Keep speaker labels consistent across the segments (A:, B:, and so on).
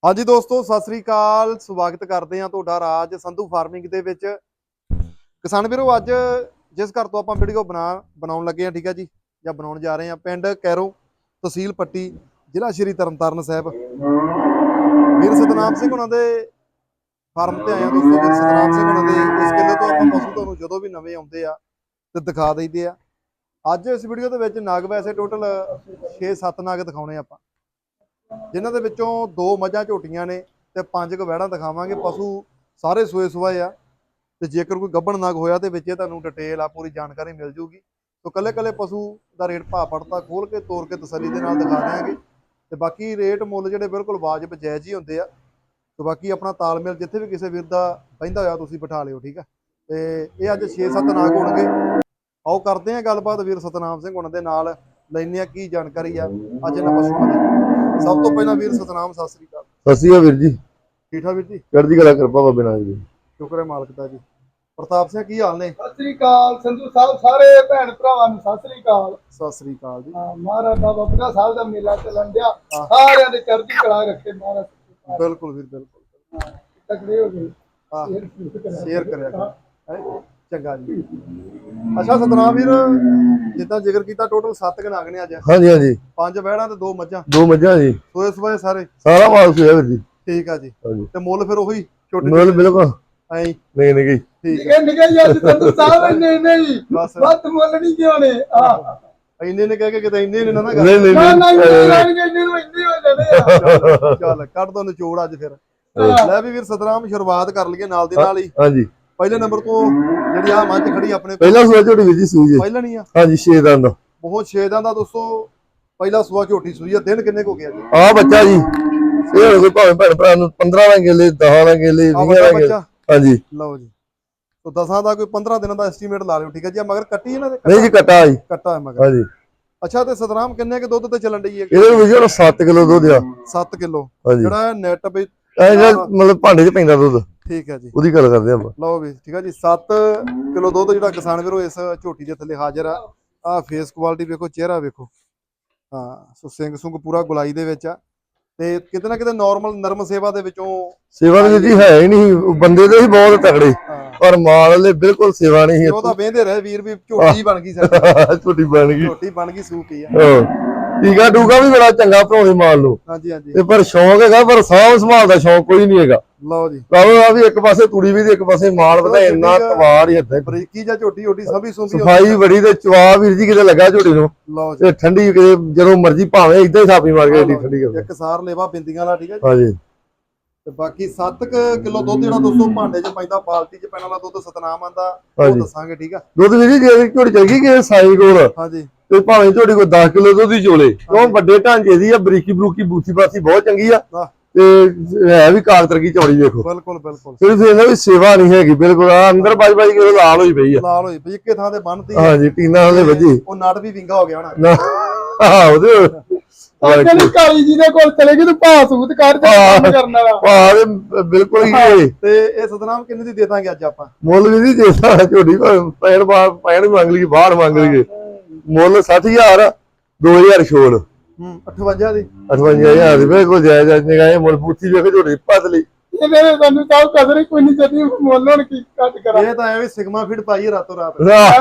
A: हाँ जी दोस्तों सत श्री अकाल स्वागत करते हैं तुहाडा राज संधू फार्मिंग दे विच। किसान वीरो अज जिस घर तो आपां वीडियो बनाउण लगे हैं ठीक है जी या बनाउण जा रहे हैं पिंड कैरों तहसील पट्टी जिला श्री तरनतारन साहब वीर सतनाम सिंह हुणां दे फार्म ते आए दोस्तों। वीर सतनाम सिंह हुणां दे इस किले तो आपां पशु तुहानूं जदों भी नवें आउंदे आ ते दिखा दईदे आ। अज इस वीडियो दे विच नग वैसे टोटल 6-7 नग दिखाउणे आपां जिन्हां दे विचों 2 मझां झोटियां ने ते 5 वैड़ां दिखावांगे। पशु सारे सूए सुआए आ ते जेकर कोई गब्बण नग होया ते विच तुहानूं डिटेल आ पूरी जानकारी मिल जूगी। तो कल्ले कल्ले पशु दा रेट भाव पड़ता खोल के तोड़ के तसल्ली दे नाल दिखा देंगे ते बाकी रेट मुੱਲ ਜਿਹੜੇ बिल्कुल वाजिब जायज़ ही ਹੁੰਦੇ आ। तो बाकी अपना तालमेल जिथे भी किसी वीर दा पैंदा होया तुसीं बिठा लिओ ठीक है। ते ये अज 6-7 नाग होणगे। आओ करते हैं गलबात वीर सतनाम सिंह हुणां दे नाल लैने आ की जानकारी आ अज इन्हां पशुओं दी। सब तो पहला वीर सतनाम सत श्री अकाल।
B: सत श्री अकाल वीर जी।
A: ठीक ठाक वीर जी
B: चढ़दी कला कृपा बाबे नानक जी।
A: शुक्र है मालक दा जी। प्रताप सिंह की हाल ने?
C: सत श्री अकाल संधू साहब सारे भैन भरावां नूं सत श्री अकाल।
A: सत श्री अकाल जी।
C: महाराज बाबा बुढ़ा साहब दा मेला चलन दिया सारियां दे चढ़दी कला रखे महाराज।
A: बिल्कुल वीर बिल्कुल
C: तगड़े हो गए
A: शेयर करया चंगा जी। अच्छा सतनाम वीर जिद्दां जिक्र कीता टोटल 7 नाग ने अज।
B: हाँ जी हाँ जी
A: 5 वैड़ां ते 2 मझां
B: 2 मझां जी
A: सोए सुए सारे
B: सारा माल सुया वीर जी।
A: ठीक है जी।
B: हाँ जी
A: ते मुੱਲ फिर ओही छोटे
B: मुੱਲ बिल्कुल
A: ऐ
B: नहीं नहीं
A: ठीक
C: निके
A: है
C: निके यार संधू साहब नहीं
A: बस
C: बात मुੱਲ नहीं क्यों ने
A: ਇੰਨੇ ਨੇ ਕਹਿ ਕੇ ਕਿਤੇ ਇੰਨੇ ਨੇ ਨਾ ਕਰ
B: नहीं नहीं
C: ना ना
B: नहीं
C: इन्ने हो जाने
A: ਚੱਲ ਕੱਢ ਦੋ ਨਿਚੋੜ ਅੱਜ ਫਿਰ। ਲੈ ਵੀ ਵੀਰ ਸਤਨਾਮ ਸ਼ੁਰੂਆਤ ਕਰ ਲਈਏ ਨਾਲ ਦੀ ਨਾਲ ਹੀ।
B: हाँ जी
A: ਪਹਿਲੇ ਨੰਬਰ ਤੋਂ ਜਿਹੜੀ ਆ ਮੱਝ ਖੜੀ ਆਪਣੇ ਕੋਲ
B: पहला सुआ झोटी वीर जी सूई है।
A: ਪਹਿਲਾਂ ਨਹੀਂ ਆ
B: हाँ जी 6 दंद
A: ਬਹੁਤ 6 ਦਾ ਦੋਸਤੋ ਪਹਿਲਾ ਸੂਆ ਝੋਟੀ ਸੂਈ ਆ। ਦਿਨ ਕਿੰਨੇ ਕੋ ਗਿਆ ਜੀ?
B: आ बच्चा जी ये हो गए भावें भैन भरा नूं 15 ना गेले 10 ना गेले 20 ना गेले।
A: ਬੱਚਾ
B: हाँ जी
A: ਲਓ ਜੀ। ਤੋ 10 ਦਾ ਕੋਈ 15 ਦਿਨਾਂ ਦਾ ਐਸਟੀਮੇਟ ਲਾ ਲਿਓ ਠੀਕ ਹੈ ਜੀ। ਮਗਰ ਕੱਟੀ ਇਹਨਾਂ ਦੇ
B: नहीं जी कटा जी।
A: ਕੱਟਾ ਹੈ ਮਗਰ।
B: हाँ जी
A: ਅੱਛਾ ਤੇ ਸਤਨਾਮ ਕਿੰਨੇ ਕੇ ਦੁੱਧ ਤੇ ਚੱਲਣ ਡਈ ਹੈ?
B: ਇਹਦੇ ਵਿੱਚ ਹੁਣ 7 ਕਿਲੋ ਦੁੱਧ ਆ।
A: 7 ਕਿਲੋ
B: हाँ जी
A: ਜਿਹੜਾ ਨੈਟ ਵੀ
B: ਇਹ मतलब ਭਾਂਡੇ 'ਚ ਪੈਂਦਾ ਦੁੱਧ
A: ਠੀਕ ਹੈ ਜੀ।
B: ਉਹਦੀ ਗੱਲ ਕਰਦੇ ਆਪਾਂ।
A: ਲਓ ਵੀ ਠੀਕ ਹੈ ਜੀ। 7 ਕਿਲੋ ਦੁੱਧ ਜਿਹੜਾ ਕਿਸਾਨ ਵੀਰੋ ਇਸ ਝੋਟੀ ਦੇ ਥੱਲੇ ਹਾਜ਼ਰ ਆ। ਆ ਫੇਸ ਕੁਆਲਿਟੀ ਵੇਖੋ ਚਿਹਰਾ ਵੇਖੋ। ਹਾਂ ਸੋ ਸਿੰਘ ਸੁੰਗ ਪੂਰਾ ਗੁਲਾਈ ਦੇ ਵਿੱਚ ਆ ਤੇ ਕਿਤੇ ਨਾ ਕਿਤੇ ਨਾਰਮਲ ਨਰਮ ਸੇਵਾ ਦੇ ਵਿੱਚੋਂ
B: ਸੇਵਾ ਦੇ ਜੀ ਹੈ ਹੀ ਨਹੀਂ ਬੰਦੇ ਦੇ ਹੀ ਬਹੁਤ ਤਕੜੇ ਪਰ ਮਾਲ ਵਾਲੇ ਬਿਲਕੁਲ ਸੇਵਾ ਨਹੀਂ
A: ਉਹ ਤਾਂ ਵੇਂਦੇ ਰਹੇ ਵੀਰ ਵੀ ਝੋਟੀ ਬਣ ਗਈ ਸਾਡੀ
B: ਛੋਟੀ ਬਣ ਗਈ
A: ਝੋਟੀ ਬਣ ਗਈ ਸੂਕ ਹੀ ਆ।
B: ਟੀਕਾ ਟੂਕਾ ਵੀ ਬੜਾ ਚੰਗਾ ਭਰਾਉਂਦੇ ਮਾਲ ਨੂੰ
A: ਹਾਂਜੀ ਹਾਂਜੀ
B: ਤੇ ਪਰ ਸ਼ੌਂਕ ਹੈਗਾ ਪਰ ਸਾਂਭ ਸੰਭਾਲ ਦਾ ਸ਼ੌਂਕ ਕੋਈ ਨਹੀਂ ਹੈਗਾ।
A: ਲਓ ਜੀ
B: ਕਾਹੋ ਆ ਵੀ ਇੱਕ ਪਾਸੇ ਤੂੜੀ ਵੀ ਤੇ ਇੱਕ ਪਾਸੇ ਮਾਲ ਵਧਾ ਇੰਨਾ ਤਵਾਰ ਹੀ ਇੱਥੇ
A: ਬਰੀਕੀ ਜਾਂ ਝੋਟੀ ਝੋਟੀ ਸਭੀ ਸੁੰਭੀ
B: ਸਫਾਈ ਬੜੀ ਤੇ ਚਵਾ ਵੀਰ ਜੀ ਕਿਤੇ ਲੱਗਾ ਝੋਟੀ ਨੂੰ
A: ਲਓ ਜੀ।
B: ਤੇ ਠੰਡੀ ਕਿਤੇ ਜਦੋਂ ਮਰਜ਼ੀ ਭਾਵੇਂ ਇਦਾਂ ਹੀ ਥਾਪੀ ਮਾਰ ਕੇ ਏਡੀ ਠੰਡੀ ਕਰ
A: ਇੱਕ ਸਾਰ ਲੇਵਾ ਬਿੰਦੀਆਂ ਵਾਲਾ ਠੀਕ ਹੈ ਜੀ।
B: ਹਾਂਜੀ
A: ਤੇ ਬਾਕੀ 7 ਕਿਲੋ ਦੁੱਧ ਜਿਹੜਾ ਦੋਸਤੋ ਭਾਂਡੇ 'ਚ ਪੈਂਦਾ ਬਾਲਟੀ 'ਚ ਪੈਣ ਵਾਲਾ ਦੁੱਧ ਸਤਨਾਮ ਆਂਦਾ ਉਹ
B: ਹਾਂਜੀ।
A: ਦੱਸਾਂਗੇ ਠੀਕ ਆ।
B: ਦੁੱਧ ਵੀਰ ਜੀ ਜੇ ਝੋਟੀ ਚਲ ਗਈ ਕਿ ਸਾਈ ਕੋਲ
A: ਹਾਂਜੀ
B: ਤੇ ਭਾਵੇਂ ਝੋਟੀ ਕੋਈ 10 ਕਿਲੋ ਦੁੱਧ ਹੀ ਚੋਲੇ ਕਿਉਂ ਵੱਡੇ ਢਾਂਚੇ ਦੀ ਆ ਬਰੀਕੀ ਬਰੂਕੀ ਬੂਥੀ ਬਾਥੀ ਬਹੁਤ ਚੰਗੀ ਆ
A: ਆਹ,
B: ਤੇ ਹੈ ਵੀ ਕਾਗਤਰ ਕੀ ਚੌੜੀ ਵੇਖੋ।
A: ਬਿਲਕੁਲ ਬਿਲਕੁਲ
B: ਸਿਰਫ ਇਹਨਾਂ ਵੀ ਸੇਵਾ ਨਹੀਂ ਹੈਗੀ ਬਿਲਕੁਲ ਆ ਅੰਦਰ ਬਾਜ ਬਾਜ ਕੇ ਲਾਲ ਹੋਈ ਪਈ ਆ।
A: ਲਾਲ ਹੋਈ ਪਈ ਇੱਕੇ ਥਾਂ ਤੇ ਬੰਨਤੀ
B: ਹਾਂਜੀ ਟੀਨਾ ਵਾਲੇ ਵੱਜੀ
A: ਉਹ ਨੜ ਵੀ ਵਿੰਗਾ ਹੋ ਗਿਆ ਹੋਣਾ।
B: ਨਾ ਆਹ ਉਹਦੇ
C: ਕਹਿੰਦੇ ਕਾਲੀ ਜੀ ਦੇ ਕੋਲ ਚਲੇ ਗਏ ਤੂੰ ਭਾਸੂਤ ਕਰ ਜਾ ਕੰਮ ਕਰਨ ਵਾਲਾ
B: ਭਾਵੇਂ ਬਿਲਕੁਲ ਹੀ ਇਹ
A: ਤੇ ਇਹ ਸਤਨਾਮ ਕਿੰਨੇ ਦੀ ਦੇ ਦਾਂਗੇ ਅੱਜ ਆਪਾਂ?
B: ਮੁੱਲ ਵੀ ਨਹੀਂ ਦੇਦਾ ਝੋਟੀ ਪੈਣ ਪੈਣ ਮੰਗ ਲਈ ਬਾਹਰ ਮੰਗ ਲਈਏ ਮੁੱਲ 60000 2000 ਛੋੜ
A: 58 ਦੀ
B: 58000 ਦੀ ਬਿਲਕੁਲ ਜਾਇਜ਼ ਨਿਗਾਹ ਇਹ ਮੁੱਲ ਬੂਥੀ ਵੇਖ ਝੋਟੀ ਪਤਲੀ
C: ਇਹਦੇ ਸਾਨੂੰ ਤਾਂ ਕਦਰ ਹੀ ਕੋਈ ਨਹੀਂ ਚੱਲੀ ਮੁੱਲ ਹੁਣ ਕੀ ਕੱਟ ਕਰਾਂ।
A: ਇਹ ਤਾਂ ਐਵੇਂ ਸਿਗਮਾ ਫਿਟ ਪਾਈ ਰਾਤੋਂ ਰਾਤ।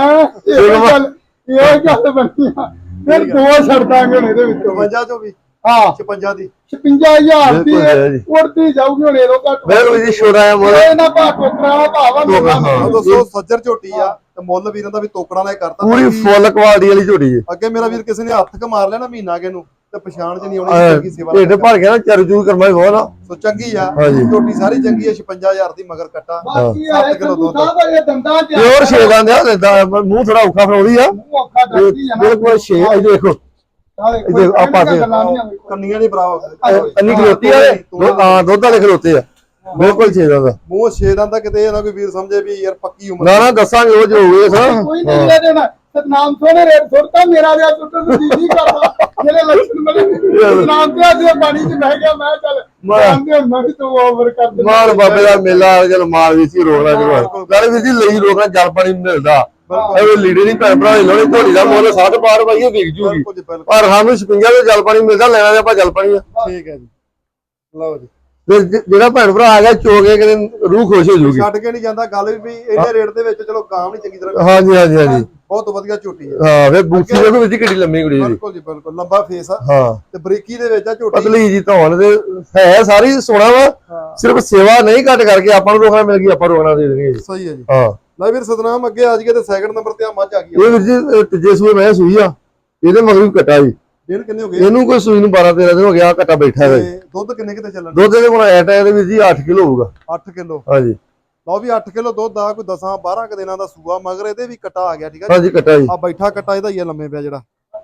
C: ਇਹ ਗੱਲ ਬਣੀ ਆ ਫਿਰ ਦੋ ਛੱਡ ਦਾਂਗੇ ਹੁਣ ਇਹਦੇ ਵਿੱਚੋਂ
A: 52 ਚੋਂ ਵੀ
C: ਹਾਂ
A: 56 ਦੀ
C: 55000 ਦੀ
B: ਬਿਲਕੁਲ ਹੈ ਜੀ।
C: ਉੜਦੀ ਜਾਊਗੀ ਹੁਣ ਇਹੋ ਘੱਟ
B: ਬਿਲਕੁਲ ਜੀ ਛੋੜਾ ਆ ਮੁੱਲ
C: ਇਹ ਨਾ ਭਾ ਟੋਕਰਾ ਭਾਵਾ
B: ਹਾਂ।
A: ਦੋਸਤੋ ਸੱਜਰ ਝੋਟੀ ਆ ਤੇ ਮੁੱਲ ਵੀਰਾਂ ਦਾ ਵੀ ਤੋਕੜਾਂ ਨਾਲ ਕਰਤਾ।
B: ਪੂਰੀ ਫੁੱਲ ਕੁਆਲਿਟੀ ਵਾਲੀ ਝੋਟੀ ਹੈ।
A: ਅੱਗੇ ਮੇਰਾ ਵੀਰ ਕਿਸੇ ਨੇ ਹੱਥ ਕ ਮਾਰ ਲਿਆ ਨਾ ਮਹੀਨਾ ਕੇ ਨੂੰ ਤੇ ਪਛਾਣ ਚ ਨਹੀਂ ਆਉਣੀ ਚੰਗੀ ਸੇਵਾ
B: ਢਿੱਡ ਭਰ ਗਿਆ ਨਾ ਚਰਜੂ ਕਰਮਾ ਬਹੁਤ ਨਾ
A: ਸੋ ਚੰਗੀ ਆ
B: ਹਾਂਜੀ।
A: ਝੋਟੀ ਸਾਰੀ ਚੰਗੀ ਆ 56000 ਦੀ ਮਗਰ ਕੱਟਾ
C: ਬਾਕੀ
A: 7 ਕਿਲੋ ਦੁੱਧ
C: ਇਹ ਦੰਦਾਂ ਚ
B: ਪਿਓਰ ਛੇਦਾਂ ਦਾ ਮੂੰਹ ਥੋੜਾ ਔਖਾ ਫੜਾਉਂਦੀ ਆ
C: ਔਖਾ ਡਰਦੀ ਆ ਨਾ
B: ਬਿਲਕੁਲ ਛੇ ਇਹ ਦੇਖੋ
C: ਕੋਈ
B: ਆ ਪਾਸੇ
A: ਕੰਨੀਆਂ ਨਹੀਂ ਬਰਾਬਰ
B: ਅੰਨੀ ਖਲੋਤੀ ਆ ਹਾਂ ਦੁੱਧ ਵਾਲੇ ਖਲੋਤੇ ਆ ਬਿਲਕੁਲ ਛੇਦਾਂ ਦਾ
A: ਮੂੰਹ 6 ਦਾ ਕਿਤੇ ਇਹ ਨਾ ਕੋਈ ਵੀਰ ਸਮਝੇ ਵੀ ਯਾਰ ਪੱਕੀ ਉਮਰ
B: ਨਾ ਨਾ ਦੱਸਾਂਗੇ ਉਹ ਜੋ ਹੋਵੇ ਸਰ
C: ਕੋਈ ਨਹੀਂ ਲੈ ਦੇਣਾ ਸਤਨਾਮ ਸੋਨੇ ਰੇਟ ਸੁੱਟਦਾ ਮੇਰਾ ਵਿਆਹ ਸੁੱਟਣ ਨੂੰ ਜੀ ਕਰਦਾ ਜਿਹੜੇ ਲੱਛਣ ਬਣੇ ਨਾਮ ਤੇ ਅੱਜ ਪਾਣੀ 'ਚ ਬਹਿ ਗਿਆ ਮੈਂ ਚੱਲ ਆਂਦੇ ਮੈਂ ਵੀ ਤੂੰ ਓਵਰ ਕਰ ਦੇ
B: ਮਾਲ ਬਾਬੇ ਦਾ ਮੇਲਾ ਚਲ ਮਾਲ ਵੀ ਸੀ ਰੋਕਣਾ ਜਵਾ ਗੱਲ ਵੀ ਸੀ ਲਈ ਰੋਕਣਾ ਜਲ ਪਾਣੀ ਮਿਲਦਾ ਇਹ ਲੀੜੇ ਨਹੀਂ ਭੈਣ ਭਰਾ ਲੋੜੇ ਝੋਲੀ ਦਾ ਮੁੱਲ 60 ਪਾਰ ਪਾਈਏ ਵਿਕ ਜੂਗੀ ਪਰ ਸਾਨੂੰ 56 ਦੇ ਜਲ ਪਾਣੀ ਮਿਲਦਾ ਲੈਣਾ ਤੇ ਆਪਾਂ ਜਲ ਪਾਣੀ ਆ।
A: ਠੀਕ ਹੈ ਜੀ ਲਓ ਜੀ
B: ਤੇ ਜਿਹੜਾ ਭੈਣ ਭਰਾ ਆ ਗਿਆ ਚੋਗੇ ਕਿਤੇ ਰੂਹ ਖੁਸ਼ ਹੋ ਜੂਗੀ।
A: ਛੱਡ ਕੇ ਨਹੀਂ ਜਾਂਦਾ ਗੱਲ ਵੀ ਇਹਨੇ ਰੇਟ ਦੇ ਵਿੱਚ ਚਲੋ ਗਾਂ ਵੀ ਚੰਗੀ ਤਰ੍ਹਾਂ
B: ਹਾਂਜੀ ਹਾਂਜੀ ਹਾਂਜੀ
A: ਬਹੁਤ ਵਧੀਆ ਝੋਟੀ ਹੈ।
B: ਹਾਂ ਵੇ ਬੂਥੀ ਦੇਖੋ ਵਿੱਚ ਕਿੱਡੀ ਲੰਮੀ ਕੁੜੀ ਦੀ।
A: ਬਿਲਕੁਲ ਜੀ ਬਿਲਕੁਲ ਲੰਬਾ ਫੇਸ ਆ
B: ਹਾਂ
A: ਤੇ ਬਰੀਕੀ ਦੇ ਵਿੱਚ ਆ ਝੋਟੀ
B: ਪਤਲੀ ਜੀ ਧੌਣ ਤੇ ਹੈ ਸਾਰੀ ਸੋਹਣਾ ਵਾ ਸਿਰਫ ਸੇਵਾ ਨਹੀਂ ਘੱਟ ਕਰਕੇ ਆਪਾਂ ਨੂੰ ਰੋਕਣਾ ਮਿਲ ਗਈ ਆਪਾਂ ਰੋਕਣਾ ਦੇ ਦੇਣਗੇ ਜੀ।
A: ਸਹੀ ਹੈ ਜੀ।
B: ਹਾਂ
A: ਲੈ ਵੀਰ ਸਤਨਾਮ ਅੱਗੇ ਆ ਜੀਏ ਤੇ ਸੈਕਿੰਡ ਨੰਬਰ ਤੇ ਆ ਮੱਝ ਆ ਗਈ
B: ਇਹ ਵੀਰ ਜੀ ਤੀਜੇ ਸੂਏ ਮੈਂ ਸੂਈ ਆ ਇਹਦੇ ਮਗਰ ਵੀ ਕੱਟਾ ਜੀ
A: ਦਿਨ ਕਿੰਨੇ ਹੋ ਗਏ
B: ਇਹਨੂੰ ਕੋਈ ਸੂਈ ਨੂੰ 12 13 ਦਿਨ ਹੋ ਗਿਆ ਕੱਟਾ ਬੈਠਾ ਹੈ ਜੀ।
A: ਤੇ ਦੁੱਧ ਕਿੰਨੇ ਕਿਤੇ ਚੱਲਣ
B: ਦੁੱਧ ਦੇ ਕੋਲ ਐਟ ਇਹਦੇ ਵੀਰ ਜੀ 8 ਕਿਲੋ ਹੋਊਗਾ।
A: 8 ਕਿਲੋ
B: ਹਾਂਜੀ
A: ਲਓ ਵੀ 8 ਕਿਲੋ ਦੁੱਧ ਆ ਕੋਈ 10 12 ਕ ਦਿਨਾਂ ਦਾ ਸੂਆ ਮਗਰ ਇਹਦੇ ਵੀ ਕਟਾ ਆ ਗਿਆ ਠੀਕ ਆ
B: ਹਾਂਜੀ ਕੱਟਾ ਜੀ
A: ਆ ਬੈਠਾ ਕਟਾ ਇਹਦਾ ਹੀ ਆ ਲੰਮੇ ਪਿਆ ਜਿਹੜਾ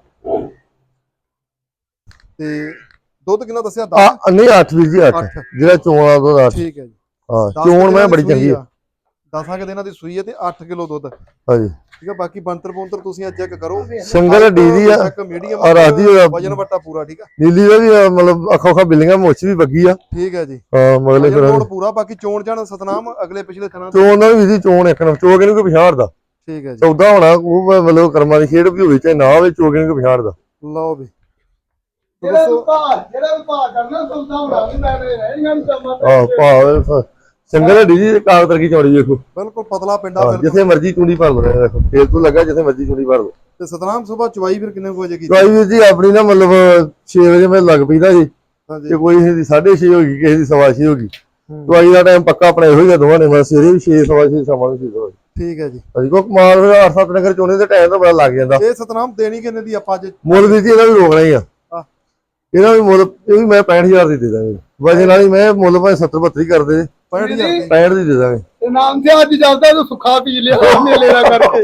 A: ਤੇ ਦੁੱਧ ਕਿੰਨਾ ਦੱਸਿਆ 10
B: ਨਹੀਂ 8 ਵੀਰ ਜੀ 8 ਜਿਹੜਾ ਚੋਣ ਆ ਦੁੱਧ 8
A: ਠੀਕ ਹੈ ਜੀ।
B: ਹਾਂ ਚੋਣ ਮੈਂ ਬੜੀ ਚੰਗੀ ਆ
A: 10 ਕ ਦਿਨਾਂ ਦੀ ਸੂਈ ਹੈ ਤੇ 8 ਕਿਲੋ ਦੁੱਧ
B: ਹਾਂਜੀ
A: ਠੀਕ ਆ। ਬਾਕੀ ਬੰਤਰ ਬੁੰਤਰ ਤੁਸੀਂ ਅੱਜ ਚੈੱਕ ਕਰੋ
B: ਸਿੰਗਲ ਡੀਦੀ ਆ
A: ਚੈੱਕ ਮੀਡੀਅਮ
B: ਔਰ ਆਦੀ
A: ਵਜਨ ਵੱਟਾ ਪੂਰਾ ਠੀਕ ਆ।
B: ਨੀਲੀ ਦਾ ਵੀ ਮਤਲਬ ਅੱਖਾਂ ਅੱਖਾਂ ਬਿੱਲੀਆਂ ਮੁੱਛ ਵੀ ਵੱਗੀ ਆ।
A: ਠੀਕ ਹੈ ਜੀ
B: ਹਾਂ ਮਗਲੇ ਫਿਰ
A: ਵਜਨ ਪੂਰਾ ਬਾਕੀ ਚੋਣ ਜਾਣ ਸਤਨਾਮ ਅਗਲੇ ਪਿਛਲੇ ਥਣਾ
B: ਚੋਣ ਨਾਲ ਵੀ ਜੀ ਚੋਣ ਇੱਕ ਨਾ ਚੋਗੇ ਨੂੰ ਕੋਈ ਪਛਾੜਦਾ
A: ਠੀਕ ਹੈ ਜੀ।
B: 14 ਹੋਣਾ ਉਹ ਮਤਲਬ ਕਰਮਾਂ ਦੀ ਖੇਡ ਵੀ ਹੋਵੇ ਚਾਹੇ ਨਾ ਹੋਵੇ ਚੋਗੇ ਨੂੰ ਕੋਈ ਪਛਾੜਦਾ।
A: ਲਓ ਵੀ
C: ਜਿਹੜਾ ਵਿਭਾਗ ਕਰਨਾ ਸੌਦਾ ਹੋਣਾ ਵੀ ਮੈਂ ਰਹਿਣਗਾ ਨਹੀਂ ਕੰਮ
B: ਆਹ ਭਾਵੇਂ ਸਿੰਗਲ ਡੀਦੀ ਕਾਗਜ਼ ਤਰਕੀ ਚੌੜੀ ਵੇਖੋ
A: ਬਿਲਕੁਲ ਪਤਲਾ ਪਿੰਡਾ
B: ਹਾਂ, ਜਿੱਥੇ ਮਰਜ਼ੀ ਚੂੜੀ ਭਰ ਲਓ ਦੇਖੋ ਫੇਰ ਤੋਂ ਲੱਗਾ ਜਿੱਥੇ ਮਰਜ਼ੀ ਚੂੜੀ ਭਰ ਲਓ।
A: ਤੇ ਸਤਨਾਮ ਸੁਬਾ ਚਵਾਈ ਫਿਰ ਕਿੰਨੇ ਕੁ ਵਜੇ ਕੀਤੀ
B: ਚਵਾਈ ਵੀਰ ਜੀ ਆਪਣੀ ਨਾ ਮਤਲਬ 6 ਵਜੇ ਮੈਂ ਲੱਗ ਪਈਦਾ ਜੀ
A: ਹਾਂਜੀ
B: ਤੇ ਕੋਈ ਕਿਸੇ ਦੀ 6:30 ਹੋ ਗਈ ਕਿਸੇ ਦੀ 6:15 ਹੋ ਗਈ। ਚਵਾਈ ਦਾ ਟਾਈਮ ਪੱਕਾ ਆਪਣਾ ਇਹੋ ਹੀ ਆ ਦੋਵਾਂ ਨੇ ਮੈਂ ਸਵੇਰੇ ਵੀ 6 6:15 ਸ਼ਾਮਾਂ ਨੂੰ 6
A: ਠੀਕ ਹੈ ਜੀ।
B: ਅਸੀਂ ਕੋ ਕਮਾਲ ਫਿਰ 8-7 ਨਗਰ ਚੋਣੇ ਦੇ ਟਾਈਮ ਤਾਂ ਬੜਾ ਲੱਗ ਜਾਂਦਾ।
A: ਇਹ ਸਤਨਾਮ ਦੇਣੀ ਕਿੰਨੇ ਦੀ ਆਪਾਂ ਅੱਜ
B: ਮੁੱਲ ਵੀਰ ਜੀ ਇਹਦਾ ਵੀ ਰੋਕਣਾ ਹੀ ਆ
A: ਆਹ।
B: ਇਹਦਾ ਵੀ ਮੁੱਲ ਇਹ ਵੀ ਮੈਂ 65,000 ਦੀ ਦੇ ਦਾਂਗੇ ਵਜਨ ਵਾਲੀ ਮੈਂ ਮੁੱਲ ਭਾਵੇਂ 70-72 ਕਰ ਦੇ
A: 65,000 ਦੀ
B: 65 ਦੀ ਦੇ ਦਾਂਗੇ।
C: ਤੇ ਨਾਮ ਤੇ ਅੱਜ ਚੱਲਦਾ ਤੂੰ ਸੁੱਖਾ ਪੀ ਲਿਆ ਮੇਲੇ ਦਾ ਕਰਕੇ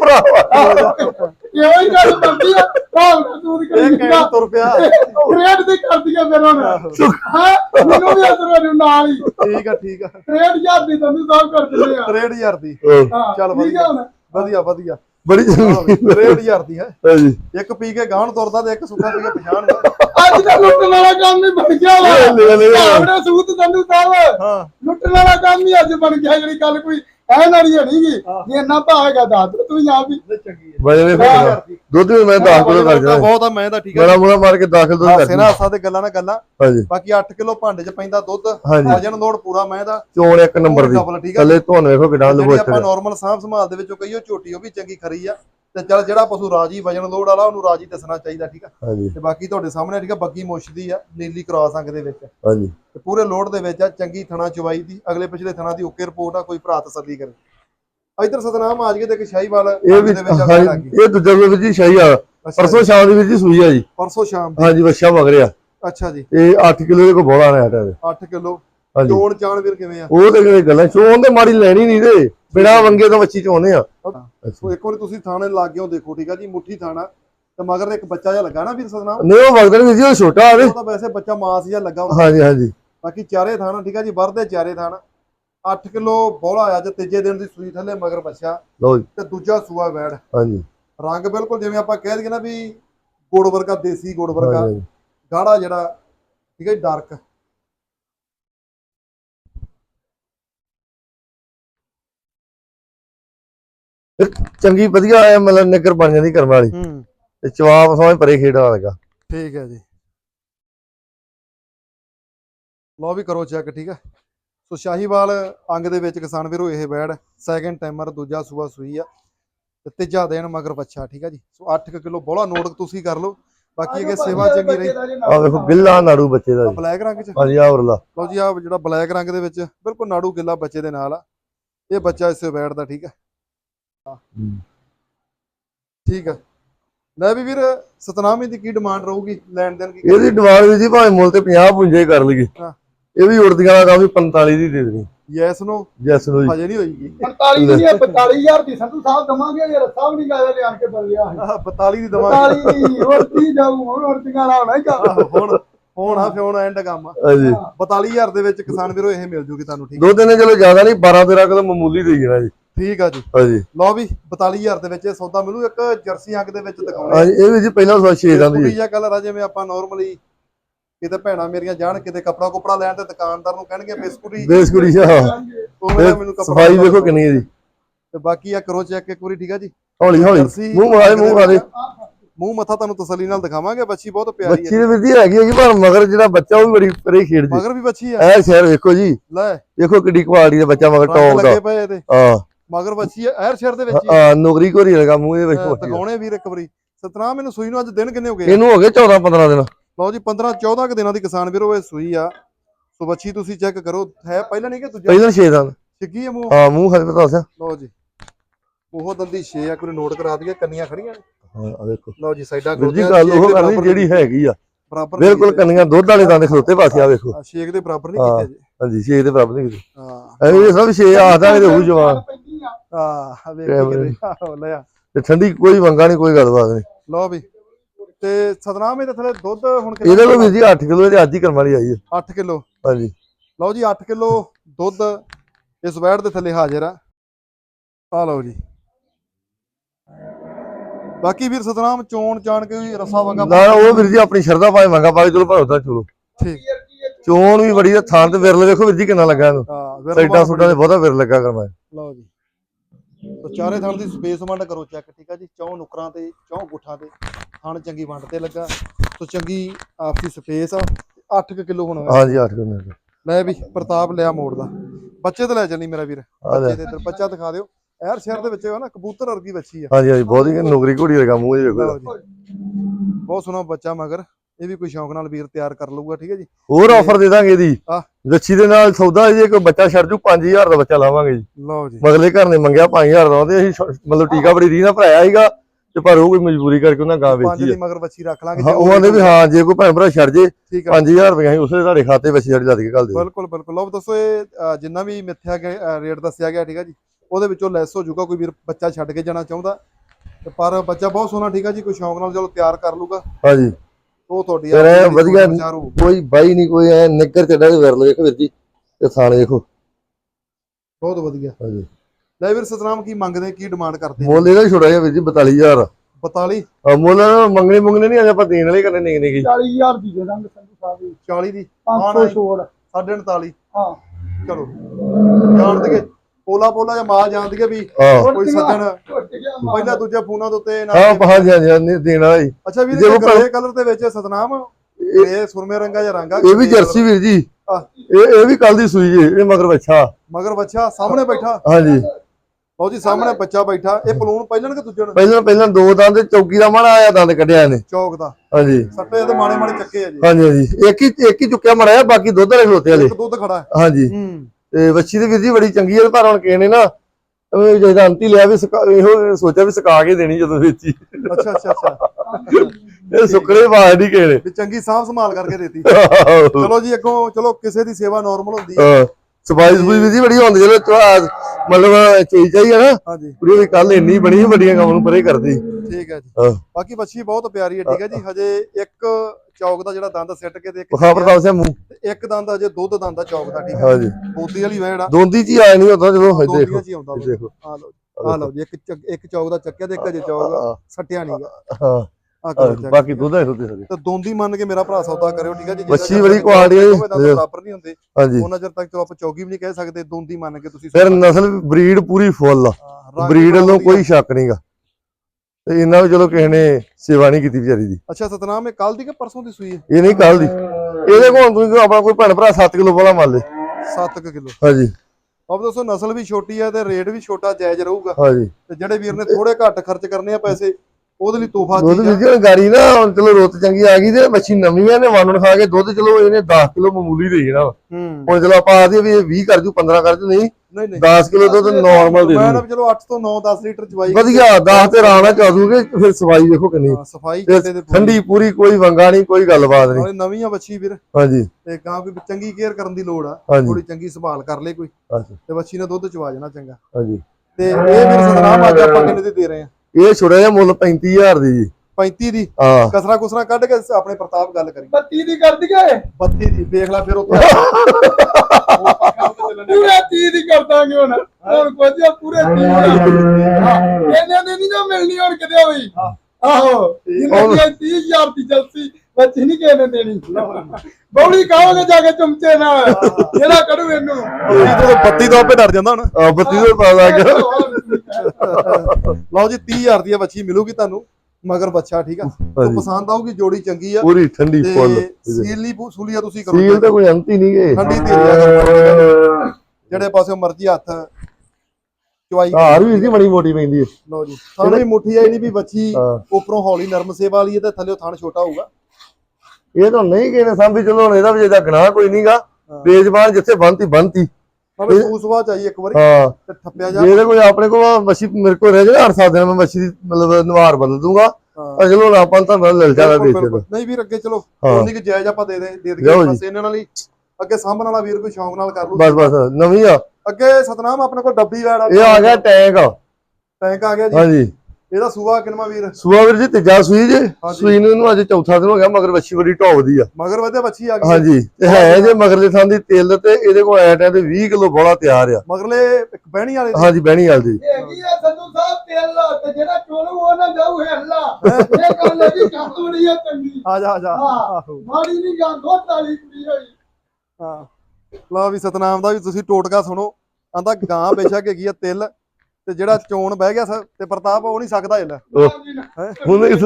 C: ਇਹੋ ਹੀ ਗੱਲ ਬਣਦੀ ਆ ਭਾਵ ਨਾ ਤੂੰ
A: ਇਹ
C: ਕਰੀ
A: ਕਹਿਣ ਤੁਰ ਪਿਆ
C: ਰੇਟ ਦੀ ਕਰਦੀ ਆ ਮੇਰਾ ਨਾ ਹਾਂ ਮੈਨੂੰ ਵੀ ਅਸਰ ਨਾਲ ਹੀ
A: ਠੀਕ ਆ ਠੀਕ ਆ
C: 63,000 ਦੀ ਤੈਨੂੰ ਸਾਫ ਕਰ ਦਿੰਦੇ ਆ
A: 63,000 ਦੀ
C: ਹਾਂ
A: ਚੱਲ
C: ਠੀਕ ਆ ਹੁਣ
A: ਵਧੀਆ ਵਧੀਆ
B: ਬੜੀ ਚੰਗੀ
A: 63,000 ਦੀ ਹੈ
B: ਹਾਂਜੀ
A: ਇੱਕ ਪੀ ਕੇ ਗਾਣ ਤੁਰਦਾ ਤੇ ਇੱਕ ਸੁੱਕਾ ਪੀ ਕੇ ਪਛਾਣ
C: ਅੱਜ ਤਾਂ ਲੁੱਟਣ ਵਾਲਾ ਕੰਮ ਹੀ ਬਣ ਗਿਆ ਵਾ ਆਪਣੇ ਸੂਤ ਤੈਨੂੰ ਸਾਹਿਬ
A: ਹਾਂ
C: ਲੁੱਟਣ ਵਾਲਾ ਕੰਮ ਹੀ ਅੱਜ ਬਣ ਗਿਆ ਜਿਹੜੀ ਗੱਲ ਕੋਈ ਐ ਨਾਲੀ ਨਹੀਂਗੀ ਜੇ ਇੰਨਾ ਭਾਵੇਗਾ ਦੱਸ ਤੂੰ ਜਾਂ ਵੀ
A: ਚੰਗੀ ਹੈ
B: ਵਜਨ ਵੇਖੋ ਦੁੱਧ ਵੀ ਮੈਂ 10 ਕਿਲੋ ਕਰ ਜਾਣਾ
A: ਬਹੁਤ ਆ ਮੈਂ ਤਾਂ ਠੀਕ
B: ਮੇਰਾ
A: ਹੈ
B: ਮੂਲਾ ਮਾਰ ਕੇ ਦਾਖਲ ਦੁੱਧ ਕਰ
A: ਸੇਨਾ ਹਾਸਾ ਤੇ ਗੱਲਾਂ ਨਾ ਗੱਲਾਂ
B: ਹਾਂਜੀ
A: ਬਾਕੀ 8 ਕਿਲੋ ਭਾਂਡੇ 'ਚ ਪੈਂਦਾ ਦੁੱਧ
B: ਹਾਂਜੀ
A: ਵਜਨ ਲੋਡ ਪੂਰਾ ਮੈਂ ਦਾ
B: ਚੋਣ ਇੱਕ ਨੰਬਰ ਦੀ
A: ਡਬਲ ਠੀਕ ਆ
B: ਥੱਲੇ ਤੁਹਾਨੂੰ ਵੇਖੋ ਕਿੰਨਾ
A: ਜਿਹੜੀ
B: ਲਵੋ
A: ਆਪਾਂ ਨਾਰਮਲ ਸਾਂਭ ਸੰਭਾਲ ਦੇ ਵਿੱਚੋਂ ਕਹੀਓ ਝੋਟੀ ਉਹ ਵੀ ਚੰਗੀ ਖਰੀ ਆ ਤੇ ਚੱਲ ਜਿਹੜਾ ਪਸ਼ੂ ਰਾਜੀ ਵਜਨ ਲੋਡ ਵਾਲਾ ਉਹਨੂੰ ਰਾਜੀ ਦੱਸਣਾ ਚਾਹੀਦਾ ਠੀਕ ਆ
B: ਹਾਂਜੀ
A: ਤੇ ਬਾਕੀ ਤੁਹਾਡੇ ਸਾਹਮਣੇ ਠੀਕ ਆ ਬੱਗੀ ਮੁੱਛਦੀ ਆ ਨੀਲੀ ਕ੍ਰਾਸ ਅੰਗ ਦੇ ਵਿੱਚ
B: ਹਾਂਜੀ
A: ਤੇ ਪੂਰੇ ਲੋਡ ਦੇ ਵਿੱਚ ਆ ਚੰਗੀ ਥਣਾ ਚਵਾਈ ਦੀ ਅਗਲੇ ਪਿਛਲੇ ਥਣਾ ਦੀ ਓਕੇ ਰਿਪੋਰਟ ਆ ਕੋਈ ਭਰਾ ਤਸੱਲੀ ਕਰੇ ਇਧਰ ਸਤਨਾਮ ਆ ਜਗੇ ਤੇ ਇੱਕ ਸ਼ਾਹੀਵਾਲ
B: ਇਹ ਵੀ
A: ਦੇ ਵਿੱਚ ਆ ਲੱਗ ਗਈ
B: ਇਹ ਦੂਜਾ ਵੀ ਜੀ ਸ਼ਾਹੀ ਆ ਪਰਸੋਂ ਸ਼ਾਮ ਦੀ ਵੀਰ ਜੀ ਸੂਈ ਆ ਜੀ
A: ਪਰਸੋਂ ਸ਼ਾਮ ਦੀ
B: ਹਾਂਜੀ ਵੱਛਾ ਵਗ ਰਿਹਾ
A: ਅੱਛਾ ਜੀ
B: ਇਹ 8 ਕਿਲੋ ਦੇ ਕੋ ਬੋਲਾ ਨੇ ਆਟਾ
A: 8 ਕਿਲੋ
B: ਹਾਂਜੀ
A: ਚੋਣ ਚਾਣ ਵੀਰ ਕਿਵੇਂ ਆ
B: ਉਹ ਤੇ ਕਿਹੜੀ ਗੱਲਾਂ ਚੋਣ ਤੇ ਮਾੜੀ ਲੈਣੀ ਨਹੀਂ ਤੇ ਬਿਨਾ ਵੰਗੇ ਤੋਂ ਵੱਛੀ ਚੋਣੇ ਆ
A: ਸੋ ਇੱਕ ਵਾਰੀ ਤੁਸੀਂ ਥਾਣੇ ਲਾ ਕੇ ਦੇਖੋ ਠੀਕ ਆ ਜੀ ਮੁੱਠੀ ਥਾਣਾ ਤੇ ਮਗਰ ਇੱਕ ਬੱਚਾ ਜਿਹਾ ਲੱਗਾ ਨਾ ਵੀਰ ਸਤਨਾਮ
B: ਨਹੀਂ ਉਹ ਵਗਦਨ ਵੀਰ ਜੀ ਉਹ ਛੋਟਾ ਆਵੇ
A: ਉਹ ਤਾਂ ਵੈਸੇ ਬੱਚਾ ਮਾਸ ਜਿਹਾ ਲੱਗਾ ਹੁੰਦਾ
B: ਹਾਂਜੀ ਹਾਂਜੀ
A: ਬਾਕੀ ਚਾਰੇ ਥਾਣਾ ਠੀਕ ਆ ਜੀ ਵਰਦੇ ਚਾਰੇ ਥਾਣਾ 8 ਕਿਲੋ ਬੋਲਾ ਆ ਜੇ ਤੀਜੇ ਦਿਨ ਦੀ ਸੂਈ ਥੱਲੇ ਮਗਰ ਬੱਚਾ
B: ਲਓ ਜੀ
A: ਤੇ ਦੂਜਾ ਸੂਆ ਵੈੜ
B: ਹਾਂਜੀ
A: ਰੰਗ ਬਿਲਕੁਲ ਜਿਵੇਂ ਆਪਾਂ ਕਹਿ ਦਈਏ ਨਾ ਵੀ ਗੁੜ ਵਰਗਾ ਦੇਸੀ ਗੁੜ ਵਰਗਾ
B: ਹਾਂਜੀ
A: ਗਾੜਾ ਜਿਹੜਾ ਠੀਕ ਹੈ ਡਾਰਕ
B: ਚੰਗੀ ਵਧੀਆ ਐ ਮਤਲਬ ਨਿਕਰ ਬਣ ਜਾਂਦੀ ਕਰਮ ਵਾਲੀ ਤੇ ਜਵਾਬ ਸਮਝ ਪਰੇ ਖੇਡਣ ਲੱਗਾ
A: ਠੀਕ ਹੈ ਜੀ ਲਓ ਵੀ ਕਰੋ ਚੈੱਕ ਠੀਕ ਹੈ ਸੋ ਸ਼ਾਹੀਵਾਲ ਅੰਗ ਦੇ ਵਿੱਚ ਕਿਸਾਨ ਵੀਰੋ ਇਹ ਬੈੜ ਸੈਕਿੰਡ ਟਾਈਮਰ ਦੂਜਾ ਸੂਆ ਸੂਈ ਆ ਤੇ ਤੀਜਾ ਦਿਨ ਮਗਰ ਬੱਚਾ ਠੀਕ ਹੈ ਜੀ ਸੋ 8 ਕਿਲੋ ਬੋਲਾ ਨੋਟ ਤੁਸੀਂ ਕਰ ਲਓ ਬਾਕੀ ਅਗੇ ਸੇਵਾ ਚੰਗੀ ਰਹੀ
B: ਆ ਵੇਖੋ ਗਿੱਲਾ ਨਾੜੂ ਬੱਚੇ ਦਾ ਜੀ
A: ਬਲੈਕ ਰੰਗ ਚ
B: ਹਾਂਜੀ ਆ ਉਰਲਾ
A: ਲਓ ਜੀ ਆ ਜਿਹੜਾ ਬਲੈਕ ਰੰਗ ਦੇ ਵਿੱਚ ਬਿਲਕੁਲ ਨਾੜੂ ਗਿੱਲਾ ਬੱਚੇ ਦੇ ਨਾਲ ਆ ਇਹ ਬੱਚਾ ਇਸੇ ਬੈੜ ਦਾ ਠੀਕ ਹੈ ਠੀਕ ਹੈ ਲੈ ਵੀ ਵੀਰ ਸਤਨਾਮੀ ਦੀ ਕੀ ਡਿਮਾਂਡ ਰਹੂਗੀ ਲੈਣ ਦੇਣ ਕੀ
B: ਇਹਦੀ ਡਿਮਾਂਡ ਵੀ ਜੀ ਭਾਵੇਂ ਮੁੱਲ ਤੇ 50-55 ਕਰ ਲਈਏ
A: ਹਾਂ।
B: ਇਹ ਵੀ ਉੜਦੀਆਂ ਦਾ ਕੰਮ ਵੀ 45 ਦੀ ਦੇ ਦੇਣੀ
A: ਯੈਸ ਨੋ
B: ਜੈਸ ਨੂੰ ਜੀ
A: ਹਜੇ ਨਹੀਂ ਹੋਈਗੀ
C: 45 ਦੀ ਨਹੀਂ 45000 ਦੀ ਸੰਧੂ ਸਾਹਿਬ ਦਵਾਂਗੇ ਯਾਰ ਸਾਹਿਬ ਨਹੀਂ ਗਾਇਆ ਲਿਆਣ ਕੇ ਬਦਲਿਆ
A: ਆਹ 42 ਦੀ ਦਵਾਂਗੇ
C: 45 ਦੀ ਹੋਰ ਕੀ ਜਾਊ ਹੁਣ ਉੜਦੀਆਂ ਦਾ ਹੋਣਾ ਹੀ ਕੰਮ
A: ਹੁਣ ਆ ਫਿਉਣ ਐਂਡ ਕੰਮ
B: ਹਾਂਜੀ
A: 42000 ਦੇ ਵਿੱਚ ਕਿਸਾਨ ਵੀਰੋ ਇਹ ਮਿਲ ਜੂਗੀ ਤੁਹਾਨੂੰ ਠੀਕ
B: ਦੋ ਦਿਨ ਚਲੋ ਜ਼ਿਆਦਾ ਨਹੀਂ 12-13 ਕਿਲੋ ਮਾਮੂਲੀ ਦੇ ਜਾਣਾ ਜੀ
A: ਠੀਕ ਆ ਜੀ
B: ਹਾਂਜੀ
A: ਲਓ ਵੀ 42000 ਦੇ ਵਿੱਚ ਇਹ ਸੌਦਾ ਮਿਲੂ ਇੱਕ ਜਰਸੀ ਅੰਗ ਦੇ ਵਿੱਚ ਦਿਖਾਉਣਾ
B: ਹਾਂਜੀ ਇਹ ਵੀ ਜੀ ਪਹਿਲਾਂ ਸਵਾ 6 ਦਾ
A: ਕੁੜੀ
B: ਜੀ
A: ਜਾਂ ਕਲਰ ਆ ਜਿਵੇਂ ਆਪਾਂ ਨਾਰਮਲੀ ਕਿਤੇ ਭੈਣਾਂ ਮੇਰੀਆਂ ਜਾਣ ਕਿਤੇ ਕੱਪੜਾ ਕੁਪੜਾ ਲੈਣ ਤੇ ਦੁਕਾਨਦਾਰ ਨੂੰ ਕਹਿਣਗੇ ਬਿਸਕੁਟੀ
B: ਬੇਸਕੁੜੀ ਸ਼ਾ
A: ਮੈਨੂੰ ਕੱਪੜਾ
B: ਸਫਾਈ ਵੇਖੋ ਕਿੰਨੀ ਹੈ ਜੀ
A: ਤੇ ਬਾਕੀ ਆ ਕਰੋ ਚੈੱਕ ਇੱਕ ਵਾਰੀ ਠੀਕ ਆ ਜੀ
B: ਹੌਲੀ ਹੌਲੀ
A: ਜਰਸੀ
B: ਮੂੰਹ ਮਾਰੇ ਮੂੰਹ ਮਾਰੇ
A: ਮੂੰਹ ਮੱਥਾ ਤੁਹਾਨੂੰ ਤਸੱਲੀ ਨਾਲ ਦਿਖਾਵਾਂਗੇ। ਬੱਚੀ ਬਹੁਤ ਪਿਆਰੀ
B: ਬੱਚੀ
A: ਹੈ
B: ਦੇ ਵਿਧੀ ਹੈਗੀ ਹੈ ਪਰ ਮਗਰ ਜਿਹੜਾ ਬੱਚਾ ਉਹ ਵੀ ਬੜੀ ਪਰੇ ਖੇਡਦੀ।
A: ਮਗਰ ਵੀ ਬੱਚੀ ਆ
B: ਇਹ ਸ਼ਹਿਰ ਵੇਖੋ ਜੀ,
A: ਲੈ
B: ਵੇਖੋ ਕਿੱਡੀ ਕੁਆਲਿਟੀ ਦਾ ਬੱਚਾ ਮਗਰ
A: ਰੰਗ
B: ਟੌਪ ਦਾ।
A: ਲੱਗੇ ਪਏ ਇਹਦੇ
B: ਹਾਂ
A: ਮਗਰ ਬੱਚੀ ਆ ਐਰ ਸ਼ਹਿਰ ਦੇ ਵਿੱਚ ਹੀ
B: ਹਾਂ ਨੌਕਰੀ ਘੋਰੀ ਲਗਾ ਮੂੰਹ ਦੇ ਵਿੱਚ ਬੱਚੀ ਦਾ।
A: ਦਿਖਾਉਣੇ ਵੀਰ ਇੱਕ ਵਾਰੀ। ਸਤਨਾਮ ਮੈਨੂੰ ਸੂਈ ਨੂੰ ਅੱਜ ਦਿਨ ਕਿੰਨੇ ਹੋ ਗਏ?
B: ਇਹਨੂੰ ਹੋ ਗਏ 14-15 ਦਿਨ।
A: ਲਓ ਜੀ 15-14 ਦਿਨਾਂ ਦੀ ਕਿਸਾਨ ਵੀਰੋ ਇਹ ਸੂਈ ਆ। ਸੋ ਬੱਚੀ ਤੁਸੀਂ ਚੈੱਕ ਕਰੋ, ਹੈ ਪਹਿਲਾਂ ਨਹੀਂ ਕਿ ਦੂਜਾ
B: ਪਹਿਲਾਂ 6 ਦਿਨ।
A: ਛਿੱਗੀ ਹੈ ਮੂੰਹ।
B: ਹਾਂ ਮੂੰਹ ਹਜੇ ਪਤਾ ਦੱਸਿਆ।
A: ਲਓ ਜੀ ਉਹ ਦੰਦੀ 6 ਆ, ਕੋਈ ਨੋਟ ਕਰਾ ਦਈਏ। ਕੰਨੀਆਂ ਖੜੀਆਂ ਨੇ।
B: ਹਾਂ ਆ ਦੇਖੋ
A: ਲਓ ਜੀ ਸਾਈਡਾਂ
B: ਵੀਰ ਜੀ ਗੱਲ ਉਹ ਕਰਨੀ ਜਿਹੜੀ ਹੈਗੀ ਆ
A: ਬਰਾਬਰ
B: ਬਿਲਕੁਲ ਕੰਨੀਆਂ ਦੁੱਧ ਵਾਲੇ ਦੰਦ ਖਲੋਤੇ ਪਾਸੇ ਆ ਵੇਖੋ।
A: ਛੇਕ ਦੇ ਬਰਾਬਰ ਨਹੀਂ ਕੀਤੇ ਜੀ।
B: ਹਾਂਜੀ 6 ਦੇ ਬਰਾਬਰ ਨਹੀਂ ਕੀਤੇ।
A: ਹਾਂ
B: ਐਵੇਂ ਸਭ 6 ਆਖਦਾ ਇਹ ਹੋਊ ਜਵਾਨ।
A: ਹਾਂ ਵੇਖੀ ਕਿਤੇ ਲੈ ਆ।
B: ਤੇ ਠੰਡੀ ਕੋਈ ਵੰਗਾ ਨਹੀਂ, ਕੋਈ ਗੱਲਬਾਤ ਨਹੀਂ।
A: ਲਓ ਵੀ ਤੇ ਸਤਨਾਮ ਇਹਦੇ ਥੱਲੇ ਦੁੱਧ ਹੁਣ
B: ਇਹਦੇ ਕੋਲ ਵੀਰ ਜੀ 8 ਕਿਲੋ ਇਹਦੇ ਅੱਜ ਹੀ ਕਰਮ ਵਾਲੀ ਆਈ ਹੈ।
A: 8 ਕਿਲੋ।
B: ਹਾਂਜੀ
A: ਲਓ ਜੀ 8 ਕਿਲੋ ਦੁੱਧ ਇਸ ਵੈੜ ਦੇ ਥੱਲੇ ਹਾਜ਼ਰ ਆ ਲਓ ਜੀ। ਬਾਕੀ ਵੀਰ ਸਤਨਾਮ ਚੋਣ ਚਾਣ ਕੇ ਵੀ ਰਸਾ ਵੰਗਾ
B: ਨਾ ਉਹ ਵੀਰ ਜੀ ਆਪਣੀ ਸ਼ਰਧਾ ਪਾਏ ਮੰਗਾ ਪਾਏ ਚਲੋ ਭਾਵੇਂ ਉਦਾਂ ਚਲੋ।
A: ਠੀਕ
B: ਚੋਣ ਵੀ ਬੜੀ ਆ, ਥਾਂ ਤੇ ਵਿਰਲ ਵੇਖੋ ਵੀਰ ਜੀ ਕਿੰਨਾ ਲੱਗਾ ਇਹਨੂੰ।
A: ਹਾਂ
B: ਸਾਈਡਾਂ ਸੁੱਡਾਂ ਤੇ ਬਹੁਤਾ ਵਿਰ ਲੱਗਾ ਕਰਮਾ।
A: ਲਓ ਜੀ ਤੋ ਚਾਰੇ ਥਣ ਦੀ ਸਪੇਸ ਵੰਡ ਕਰੋ ਚੈੱਕ, ਠੀਕ ਆ ਜੀ। ਚੌਂ ਨੁਕਰਾਂ ਤੇ ਚੌਂ ਗੁੱਠਾਂ ਤੇ ਥਣ ਚੰਗੀ ਵੰਡ ਤੇ ਲੱਗਾ। ਤੋ ਚੰਗੀ ਆਪਸੀ ਸਪੇਸ ਆ। 8 ਕਿਲੋ ਹੁਣ
B: ਹਾਂਜੀ 8 ਕਿਲੋ।
A: ਲੈ ਵੀ ਪ੍ਰਤਾਪ ਲਿਆ ਮੋੜ ਦਾ ਬੱਚੇ ਤੇ ਲੈ ਚੱਲੀ ਮੇਰਾ ਵੀਰ।
B: ਆ ਲੈ
A: ਬੱਚੇ ਦੇ ਇੱਧਰ ਬੱਚਾ ਦਿਖਾ ਦਿਓ। ਐਰ ਸ਼ਹਿਰ ਦੇ ਵਿੱਚ ਨਾ ਕਬੂਤਰ ਵਰਗੀ ਬੱਚੀ ਆ।
B: ਹਾਂਜੀ ਹਾਂਜੀ ਬਹੁਤ ਹੀ ਨੌਕਰੀ ਘੋੜੀ ਲਗਾ ਮੂੰਹ ਜੇ ਵੇਖੋ।
A: ਲਓ ਜੀ ਬਹੁਤ ਸੋਹਣਾ ਬੱਚਾ ਮਗਰ। ਇਹ ਵੀ ਕੋਈ ਸ਼ੌਂਕ ਨਾਲ ਵੀਰ ਤਿਆਰ ਕਰ ਲਊਗਾ, ਠੀਕ ਹੈ ਜੀ।
B: ਹੋਰ ਆਫਰ ਦੇ ਦਾਂਗੇ ਇਹਦੀ
A: ਆਹ।
B: ਲੱਛੀ ਦੇ ਨਾਲ ਸੌਦਾ ਜੇ ਕੋਈ ਬੱਚਾ ਛੱਡ ਜੂ 5000 ਦਾ ਬੱਚਾ ਲਾਵਾਂਗੇ ਜੀ।
A: ਲਓ ਜੀ
B: ਮਗਲੇ ਘਰ ਨੇ ਮੰਗਿਆ 5000 ਦਾ ਤੇ ਅਸੀਂ ਮਤਲਬ ਟੀਕਾ ਬੜੀ ਰੀ ਨਾ ਭਰਾਇਆ ਸੀਗਾ ਤੇ ਪਰ ਉਹ ਕੋਈ ਮਜਬੂਰੀ ਕਰਕੇ ਉਹਨਾਂ ਗਾਂ
A: 5
B: ਵੇਚੀ
A: ਦੀ ਮਗਰ ਬੱਚੀ ਰੱਖ ਲਾਂਗੇ।
B: ਹਾਂ ਉਹ ਆਂਦੇ ਵੀ ਹਾਂ ਜੇ ਕੋਈ ਭੈਣ ਭਰਾ ਛੱਡ ਜੇ
A: ਠੀਕ ਆ
B: 5000 ਰੁਪਏ ਅਸੀਂ ਉਸੇ ਤੁਹਾਡੇ ਖਾਤੇ ਵਿੱਚ ਛੱਡ ਕੇ ਘੱਲ ਦੇ।
A: ਬਿਲਕੁਲ ਬਿਲਕੁਲ। ਲਓ ਦੱਸੋ ਇਹ ਜਿੰਨਾ ਵੀ ਮਿੱਥਿਆ ਗਿਆ ਰੇਟ ਦੱਸਿਆ ਗਿਆ, ਠੀਕ ਆ ਜੀ, ਉਹਦੇ ਵਿੱਚੋਂ ਲੈਸ ਹੋ ਜਾਊਗਾ। ਕੋਈ ਵੀਰ ਬੱਚਾ ਛੱਡ ਕੇ ਜਾਣਾ ਚਾਹੁੰਦਾ ਤੇ ਪਰ ਬੱਚਾ ਬਹੁਤ ਸੋਹਣਾ, ਠੀਕ ਆ ਜੀ। ਕੋਈ ਸ਼ੌਂਕ ਨਾਲ ਚਲੋ ਤਿਆਰ ਕਰ ਲੂਗਾ
B: ਹਾਂਜੀ
A: ਉਹ ਤੁਹਾਡੀ
B: ਵਧੀਆ। ਕੋਈ ਬਾਈ ਨਹੀਂ ਕੋਈ ਐ ਨਿੱਗਰ ਚੱਡਾ ਦੇ ਵਿਰਲ ਵੇਖੋ ਵੀਰ ਜੀ ਤੇ ਥਾਣੇ ਦੇਖੋ
A: ਬਹੁਤ ਵਧੀਆ।
B: ਹਾਂਜੀ
A: ਲੈ ਵੀਰ ਸਤਨਾਮ ਕੀ ਮੰਗਦੇ, ਕੀ ਡਿਮਾਂਡ ਕਰਦੇ?
B: ਮੁੱਲ ਇਹਦਾ ਛੋੜਾ ਜਿਹਾ ਵੀਰ ਜੀ 42000।
A: 42
B: ਮੁੱਲ ਮੰਗਣੇ ਨਹੀਂ ਆ ਆਪਾਂ ਦੇਣ ਵਾਲੇ ਕਰਨੇ ਨਿਕ ਨਿਕੀ
C: 40000 ਦੀ ਦੇ ਦਾਂਗੇ ਸੰਧੂ ਸਾਹਿਬ।
A: 40 ਦੀ
C: 500 ਛੋੜ।
A: 49.5
C: ਹਾਂ
A: ਚਲੋ ਜਾਣ ਦਈਏ। ਪੋਲਾ ਜਾਂ ਮਾਲ ਜਾਣ ਦਈਏ ਵੀ
B: ਹਾਂ
A: ਕੋਈ ਸੱਜਣ
C: ਟੁੱਟ ਗਿਆ ਮਾਲ।
A: ਪਹਿਲਾਂ ਦੂਜੇ ਫੋਨਾਂ ਦੇ ਉੱਤੇ
B: ਹਾਂ ਹਾਂਜੀ ਹਾਂਜੀ ਦੇਣ ਵਾਲਾ ਜੀ।
A: ਅੱਛਾ ਵੀਰ
B: ਜੇ ਉਹ
A: ਗ੍ਰੇ ਕਲਰ ਦੇ ਵਿੱਚ ਸਤਨਾਮ ਇਹ ਸੁਰਮੇ ਰੰਗਾ ਜਾਂ ਰੰਗਾ
B: ਇਹ ਵੀ ਜਰਸੀ ਵੀਰ ਜੀ। ਇਹ ਵੀ ਕੱਲ ਦੀ ਸੂਈ ਜੀ। ਇਹ ਮਗਰ ਬੱਚਾ
A: ਮਗਰ ਬੱਚਾ ਸਾਹਮਣੇ ਬੈਠਾ।
B: ਹਾਂਜੀ
A: ਲਓ ਜੀ ਸਾਹਮਣੇ ਬੱਚਾ ਬੈਠਾ। ਇਹ ਪਲੂਣ ਪਹਿਲਣ ਕਿ ਦੂਜਣ?
B: ਪਹਿਲਾਂ ਦੋ ਦੰਦ ਚੌਕੀ ਦਾ ਮਾੜਾ ਆਇਆ ਦੰਦ ਕੱਢਿਆ ਇਹਨੇ
A: ਚੌਕ ਦਾ।
B: ਹਾਂਜੀ
A: ਸੱਟੇ ਤੇ ਮਾੜੇ ਮਾੜੇ ਚੱਕੇ ਆ ਜੀ।
B: ਹਾਂਜੀ ਹਾਂਜੀ ਇੱਕ ਹੀ ਚੁੱਕਿਆ ਮੜਿਆ ਬਾਕੀ ਦੁੱਧ ਵਾਲੇ ਖਲੋਤੇ ਵਾਲੇ।
A: ਇੱਕ ਦੁੱਧ ਖੜਾ।
B: ਹਾਂਜੀ
A: ਹੂੰ
B: ਤੇ ਵੱਛੀ ਦੀ ਵੀਰ ਜੀ ਬੜੀ ਚੰਗੀ ਹੈ ਪਰ ਹੁਣ ਕਿਸੇ ਨੇ ਨਾ ਜਿਹੜਾ ਅੰਤੀ ਲਿਆ ਵੀ ਇਹੋ ਸੋਚਿਆ ਵੀ ਸੁਕਾ ਕੇ ਦੇਣੀ ਜਦੋਂ ਵੇਚੀ।
A: ਅੱਛਾ
B: ਇਹ ਸੁੱਕਣੇ ਬਾਅਦ ਨਹੀਂ ਕਿਸੇ ਨੇ
A: ਵੀ ਚੰਗੀ ਸਾਂਭ ਸੰਭਾਲ ਕਰਕੇ ਦੇਤੀ। ਚਲੋ ਜੀ ਅੱਗੋਂ ਚਲੋ ਕਿਸੇ ਦੀ ਸੇਵਾ ਨਾਰਮਲ ਹੁੰਦੀ ਹੈ।
B: ਸਫਾਈ ਸਫੂਈ ਵੀ ਜੀ ਬੜੀ ਹੁੰਦੀ ਚਲੋ ਮਤਲਬ ਚੀਜ਼ ਚਾਹੀਦੀ ਹੈ ਨਾ।
A: ਹਾਂਜੀ
B: ਪੂਰੀ ਵੀ ਕੱਲ ਇੰਨੀ ਬਣੀ ਵੱਡੀਆਂ ਕੰਮ ਨੂੰ ਪਰੇ ਕਰਦੀ।
A: ਠੀਕ ਹੈ ਜੀ।
B: ਹਾਂ
A: ਬਾਕੀ ਬੱਚੀ ਬਹੁਤ ਪਿਆਰੀ ਹੈ, ਠੀਕ ਹੈ ਜੀ। ਹਜੇ ਇੱਕ ਚੌਕ ਦਾ ਜਿਹੜਾ ਦੰਦ ਸਿੱਟ ਕੇ ਤੇ
B: ਬਖਾ ਪ੍ਰਤਾਪ ਸਿੰਘ ਮੂੰਹ
A: ਇੱਕ ਦੰਦ ਹਜੇ ਦੁੱਧ ਦੰਦ ਦਾ ਚੌਕ ਦਾ, ਠੀਕ ਹੈ।
B: ਹਾਂਜੀ
A: ਬੋਦੀ ਵਾਲੀ ਵੈੜ ਆ।
B: ਦੋਂਦੀ ਚ ਹੀ ਆਇਆ ਨਹੀਂ ਹੁੰਦਾ ਜਦੋਂ ਦੇਖੋ
A: ਦੋਂਦੀਆਂ ਚ ਹੀ ਆਉਂਦਾ ਵਾ।
B: ਦੇਖੋ
A: ਆ ਲਓ ਜੀ ਇੱਕ ਚੌਕ ਦਾ ਚੱਕਿਆ ਤੇ ਇੱਕ ਹਜੇ ਚੌਕ ਸੱਟਿਆ ਨਹੀਂਗਾ।
B: ਹਾਂ
A: ਆ ਕਰੋ ਚੈੱਕ।
B: ਬਾਕੀ ਦੁੱਧ ਹੈ ਦੁੱਧ ਹੈ
A: ਤੇ ਦੋਂਦੀ ਮੰਨ ਕੇ ਮੇਰਾ ਭਰਾ ਸੌਦਾ ਕਰਿਓ, ਠੀਕ ਹੈ ਜੀ।
B: ਵੱਛੀ ਬੜੀ ਕੁਆਲਿਟੀ ਹੈ
A: ਬਰਾਬਰ ਨਹੀਂ ਹੁੰਦੇ
B: ਹਾਂਜੀ।
A: ਉਹਨਾਂ ਚਿਰ ਤੱਕ ਆਪਾਂ ਚੌਗੀ ਵੀ ਨਹੀਂ ਕਹਿ ਸਕਦੇ। ਦੋਂਦੀ ਮੰਨ ਕੇ ਤੁਸੀਂ
B: ਫਿਰ ਨਸਲ ਬਰੀਡ ਪੂਰੀ ਫੁੱਲ ਆ। ਬਰੀਡ ਵੱਲੋਂ ਕੋਈ ਸ਼ੱਕ ਨਹੀਂਗਾ ਤੇ ਇਹਨਾਂ ਵੀ ਚਲੋ ਕਿਸੇ ਨੇ ਸੇਵਾ ਨਹੀਂ ਕੀਤੀ ਵਿਚਾਰੀ ਦੀ।
A: ਅੱਛਾ ਸਤਨਾਮ ਇਹ ਕੱਲ ਦੀ ਕਿ ਪਰਸੋਂ ਦੀ ਸੂਈ ਹੈ?
B: ਇਹ ਨਹੀਂ ਕੱਲ ਦੀ। ਇਹਦੇ ਕੋਲ ਤੁਸੀਂ ਆਪਣਾ ਕੋਈ ਭੈਣ ਭਰਾ 7 ਕਿਲੋ ਵਾਲਾ ਮੰਨ ਲੇ।
A: 7 ਕਿਲੋ।
B: ਹਾਂਜੀ
A: ਆਪ ਦੱਸੋ ਨਸਲ ਵੀ ਛੋਟੀ ਹੈ ਤੇ ਰੇਟ ਵੀ ਛੋਟਾ ਜਾਇਜ਼ ਰਹੂਗਾ।
B: ਹਾਂਜੀ
A: ਤੇ ਜਿਹੜੇ ਵੀਰ ਨੇ ਥੋੜੇ ਘੱਟ ਖਰਚ ਕਰਨੇ ਆ ਪੈਸੇ ਉਹਦੇ ਲਈ ਤੋਹਫਾ
B: ਦੁੱਧ
A: ਚੀਜ਼ ਆ।
B: ਵੀ ਗਾੜੀ ਨਾ ਹੁਣ ਚਲੋ ਰੁੱਤ ਚੰਗੀ ਆ ਗਈ ਤੇ ਮੱਛੀ ਨਵੀਂ ਆ ਨੇ ਵਾਨਣ ਖਾ ਕੇ ਦੁੱਧ ਚਲੋ ਇਹਨੇ 10 ਕਿਲੋ ਮਾਮੂਲੀ ਦੇ ਜਾਣਾ। ਹੁਣ ਚਲੋ ਆਪਾਂ ਆਖਦੇ ਵੀ ਇਹ 20 ਕਰ ਜੂ 15 ਕਰ ਜੂ ਨਹੀਂ 10 ਕਿਲੋ ਦੁੱਧ ਨਾਰਮਲ ਦੇ
A: ਮੈਂ
B: ਦੂ।
A: ਨਾ ਚਲੋ 8 ਤੋਂ 9 10 ਲੀਟਰ ਚਵਾਈ
B: ਵਧੀਆ 10 ਤੇ ਆਰਾਮ ਨਾਲ ਚਾ ਦੂਗੇ। ਫਿਰ ਸਫਾਈ ਦੇਖੋ ਕਿੰਨੀ
A: ਸਫਾਈ ਕਰਦੇ ਤੇ
B: ਠੰਡੀ ਪੂਰੀ ਕੋਈ ਵੰਗਾ ਨਹੀਂ ਕੋਈ ਗੱਲਬਾਤ ਨਹੀਂ।
A: ਨਵੀਂ ਆ ਬੱਚੀ ਵੀਰ
B: ਹਾਂਜੀ
A: ਤੇ ਗਾਂ ਵੀ ਚੰਗੀ ਕੇਅਰ ਕਰਨ ਦੀ ਲੋੜ ਆ।
B: ਹਾਂਜੀ।
A: ਥੋੜੀ ਚੰਗੀ ਸੰਭਾਲ ਕਰ ਲੈ ਕੋਈ ਤੇ ਬੱਚੀ ਨੇ ਦੁੱਧ ਚਵਾ ਜਾਣਾ ਚੰਗਾ।
B: ਹਾਂਜੀ
A: ਤੇ ਇਹ ਵੀਰ ਸਤਨਾਮ ਅੱਜ ਆਪਾਂ ਕਿੰਨੇ ਦੀ ਦੇ ਰਹੇ ਆ?
B: ਇਹ ਛੋੜਾ ਜਿਹਾ ਮੁੱਲ 35000 ਦੀ ਜੀ।
A: 35 ਦੀ
B: ਹਾਂ
A: ਕਸਰਾ ਕੁਸਰਾ ਕੱਢ ਕੇ ਆਪਣੇ ਪ੍ਰਤਾਪ ਗੱਲ ਕਰੀ।
C: 32 ਦੀ ਕਰ ਦਈਏ।
A: 32 ਦੀ ਵੇਖ ਲੈ ਫਿਰ ਉੱਥੇ
C: ਪੂਰੇ 30 ਦੀ ਕਰ ਦਾਂਗੇ ਹੁਣ ਕੋਈ ਪੂਰੇ 30 ਇਹਨਾਂ ਨੇ ਨਹੀਂ ਜੋ ਮਿਲਣੀ ਹੁਣ ਕਿਤੇ ਹੋਈ। ਆਹੋ 30000 ਦੀ ਜਲਸੀ ਬੱਚੀ ਨਹੀਂ ਕਿਸੇ ਨੇ ਦੇਣੀ। ਬੌੜੀ ਕਾਹੋਗੇ ਜਾ ਕੇ ਚਮਚੇ ਨਾਲ ਜਿਹੜਾ ਕਰੂ ਇਹਨੂੰ
A: 32 ਤੋਂ ਆਪੇ ਡਰ ਜਾਂਦਾ ਹੁਣ।
B: 32 ਤੋਂ ਪਾ ਲੱਗ ਗਿਆ।
A: ਲਓ ਜੀ 30000 ਦੀ ਬੱਚੀ ਮਿਲੂਗੀ ਤੁਹਾਨੂੰ। ਮਗਰ ਬੱਚਾ ਠੀਕ ਆ ਤੋ
B: ਹਾਂਜੀ
A: ਪਸੰਦ ਆਊਗੀ ਜੋੜੀ ਚੰਗੀ ਆ
B: ਪੂਰੀ ਠੰਡੀ ਫੁੱਲ
A: ਤੇ ਸੀਲੀ ਸੂਲੀਆ ਤੁਸੀਂ ਕਰੋ
B: ਸੀਲ ਤਾਂ ਕੋਈ ਅੰਤ ਹੀ ਨਹੀਂ ਗਏ
A: ਠੰਡੀ ਦੇ ਦਿਆ ਜਿਹੜੇ ਪਾਸੇ ਮਰਜ਼ੀ ਹੱਥ ਚਵਾਈ
B: ਘਰ ਵੀ ਜੀ ਬੜੀ ਮੋਟੀ ਪੈਂਦੀ ਹੈ
A: ਲਓ ਜੀ ਥਣ ਵੀ ਮੁੱਠੀ ਆਈ ਨਹੀਂ ਵੀ ਬੱਚੀ
B: ਹਾਂ।
A: ਉੱਪਰੋਂ ਹੌਲੀ ਨਰਮ ਸੇਵਾ ਵਾਲੀ ਹੈ ਤੇ ਥੱਲੇ ਥਣ ਛੋਟਾ ਹੋਊਗਾ
B: ਇਹ ਤਾਂ ਨਹੀਂ ਕਿਸੇ ਨੇ ਸਾਂਭੀ ਚਲੋ ਹੁਣ ਇਹਦਾ ਵੀ ਇਹਦਾ ਗਨਾਹ ਕੋਈ ਨਹੀਂਗਾ ਬੇਜ਼ਬਾਨ ਜਿੱਥੇ ਬੰਨਤੀ
A: ਭਾਵੇਂ ਸੂਸਵਾ ਚਾਹੀਏ ਇੱਕ ਵਾਰੀ
B: ਹਾਂ
A: ਤੇ ਠੱਪਿਆ ਜਾ
B: ਜੇ ਕੋਈ ਆਪਣੇ ਕੋਲ ਮੱਛੀ ਮੇਰੇ ਕੋਲ ਰਹਿ ਜਾਏ 8-7 ਦਿਨ ਮੈਂ ਮੱਛੀ ਦੀ ਮਤਲਬ ਨਵਾਰ ਬਦਲ ਦੂੰਗਾ ਪਰ ਚਲੋ ਹੁਣ ਆਪਾਂ ਤਾਂ ਮਿਲ ਜਾਣਾ ਵੇਚ ਦੇ
A: ਨਹੀਂ ਵੀਰ ਅੱਗੇ ਚਲੋ
B: ਹਾਂ।
A: ਉਨੀ ਕਿ ਜਾਇਜ਼ ਆਪਾਂ ਦੇ
B: ਜਾਓ
A: ਦਈਏ
B: ਜੀ।
A: ਬਸ ਇਹਨਾਂ ਨਾਲ ਹੀ ਅੱਗੇ ਸਾਂਭਣ ਵਾਲਾ ਵੀਰ ਕੋਈ ਸ਼ੌਂਕ ਨਾਲ ਕਰ ਲੂ
B: ਬਸ ਨਵੀਂ ਆ
A: ਅੱਗੇ ਸਤਨਾਮ ਆਪਣੇ ਕੋਲ ਡੱਬੀ ਵੈੜ
B: ਇਹ ਆ ਗਿਆ ਟੈਂਕ
A: ਟੈਂਕ ਆ ਗਿਆ ਜੀ
B: ਹਾਂਜੀ
A: ਇਹਦਾ ਸੂਆ ਕਿੰਨਾ ਵੀਰ
B: ਸੂਆ ਵੀਰ ਜੀ ਤੀਜਾ ਸੂਈ ਜੇ
A: ਹਾਂਜੀ।
B: ਸੂਈ ਨੂੰ ਇਹਨੂੰ ਅੱਜ ਚੌਥਾ ਦਿਨ ਹੋ ਗਿਆ ਮਗਰ ਵੱਛੀ ਬੜੀ ਢੋਬਦੀ ਆ
A: ਮਗਰ ਵਧੇ ਬੱਚੀ ਆ ਗਈ
B: ਹਾਂਜੀ ਤੇ ਹੈ ਜੇ ਮਗਰਲੇ ਥਾਂ ਦੀ ਤਿਲ ਤੇ ਇਹਦੇ ਕੋਲ ਐ ਟਾਈਮ ਤੇ 20 ਕਿਲੋ ਬੋਲਾ ਤਿਆਰ ਆ
A: ਮਗਰਲੇ ਇੱਕ ਬਹਿਣੀ ਵਾਲੇ ਦੀ
B: ਹਾਂਜੀ ਬਹਿਣੀ ਵਾਲ ਦੀ
C: ਹੈਗੀ ਆ ਸੰਧੂ ਸਾਹਿਬ ਤੇਲ ਤੇ ਜਿਹੜਾ ਚੋਲੂ ਉਹ ਨਾ ਜਾਊ ਹੱਲਾ ਇਹ ਗੱਲ ਹੈ ਕਿ ਕਾਤੂੜੀ ਆ ਚੰਗੀ
A: ਆ ਜਾ
C: ਹਾਂ।
A: ਆਹੋ
C: ਮਾੜੀ ਨਹੀਂ ਜਾਂ ਦੁੱਧ ਵਾਲੀ ਕੁੜੀ ਹੋਈ
A: ਹਾਂ ਲਓ ਵੀ ਸਤਨਾਮ ਦਾ ਵੀ ਤੁਸੀਂ ਟੋਟਕਾ ਸੁਣੋ ਆਂਦਾ ਗਾਂ ਬੇਸ਼ੱਕ ਹੈਗੀ ਆ ਤਿਲ ਤੇ ਜਿਹੜਾ ਚੋਣ ਬਹਿ ਗਿਆ ਤੇ ਪ੍ਰਤਾਪ ਉਹ ਨਹੀਂ ਸਕਦਾ ਹਿੱਲ
B: ਹੁਣ ਇਸ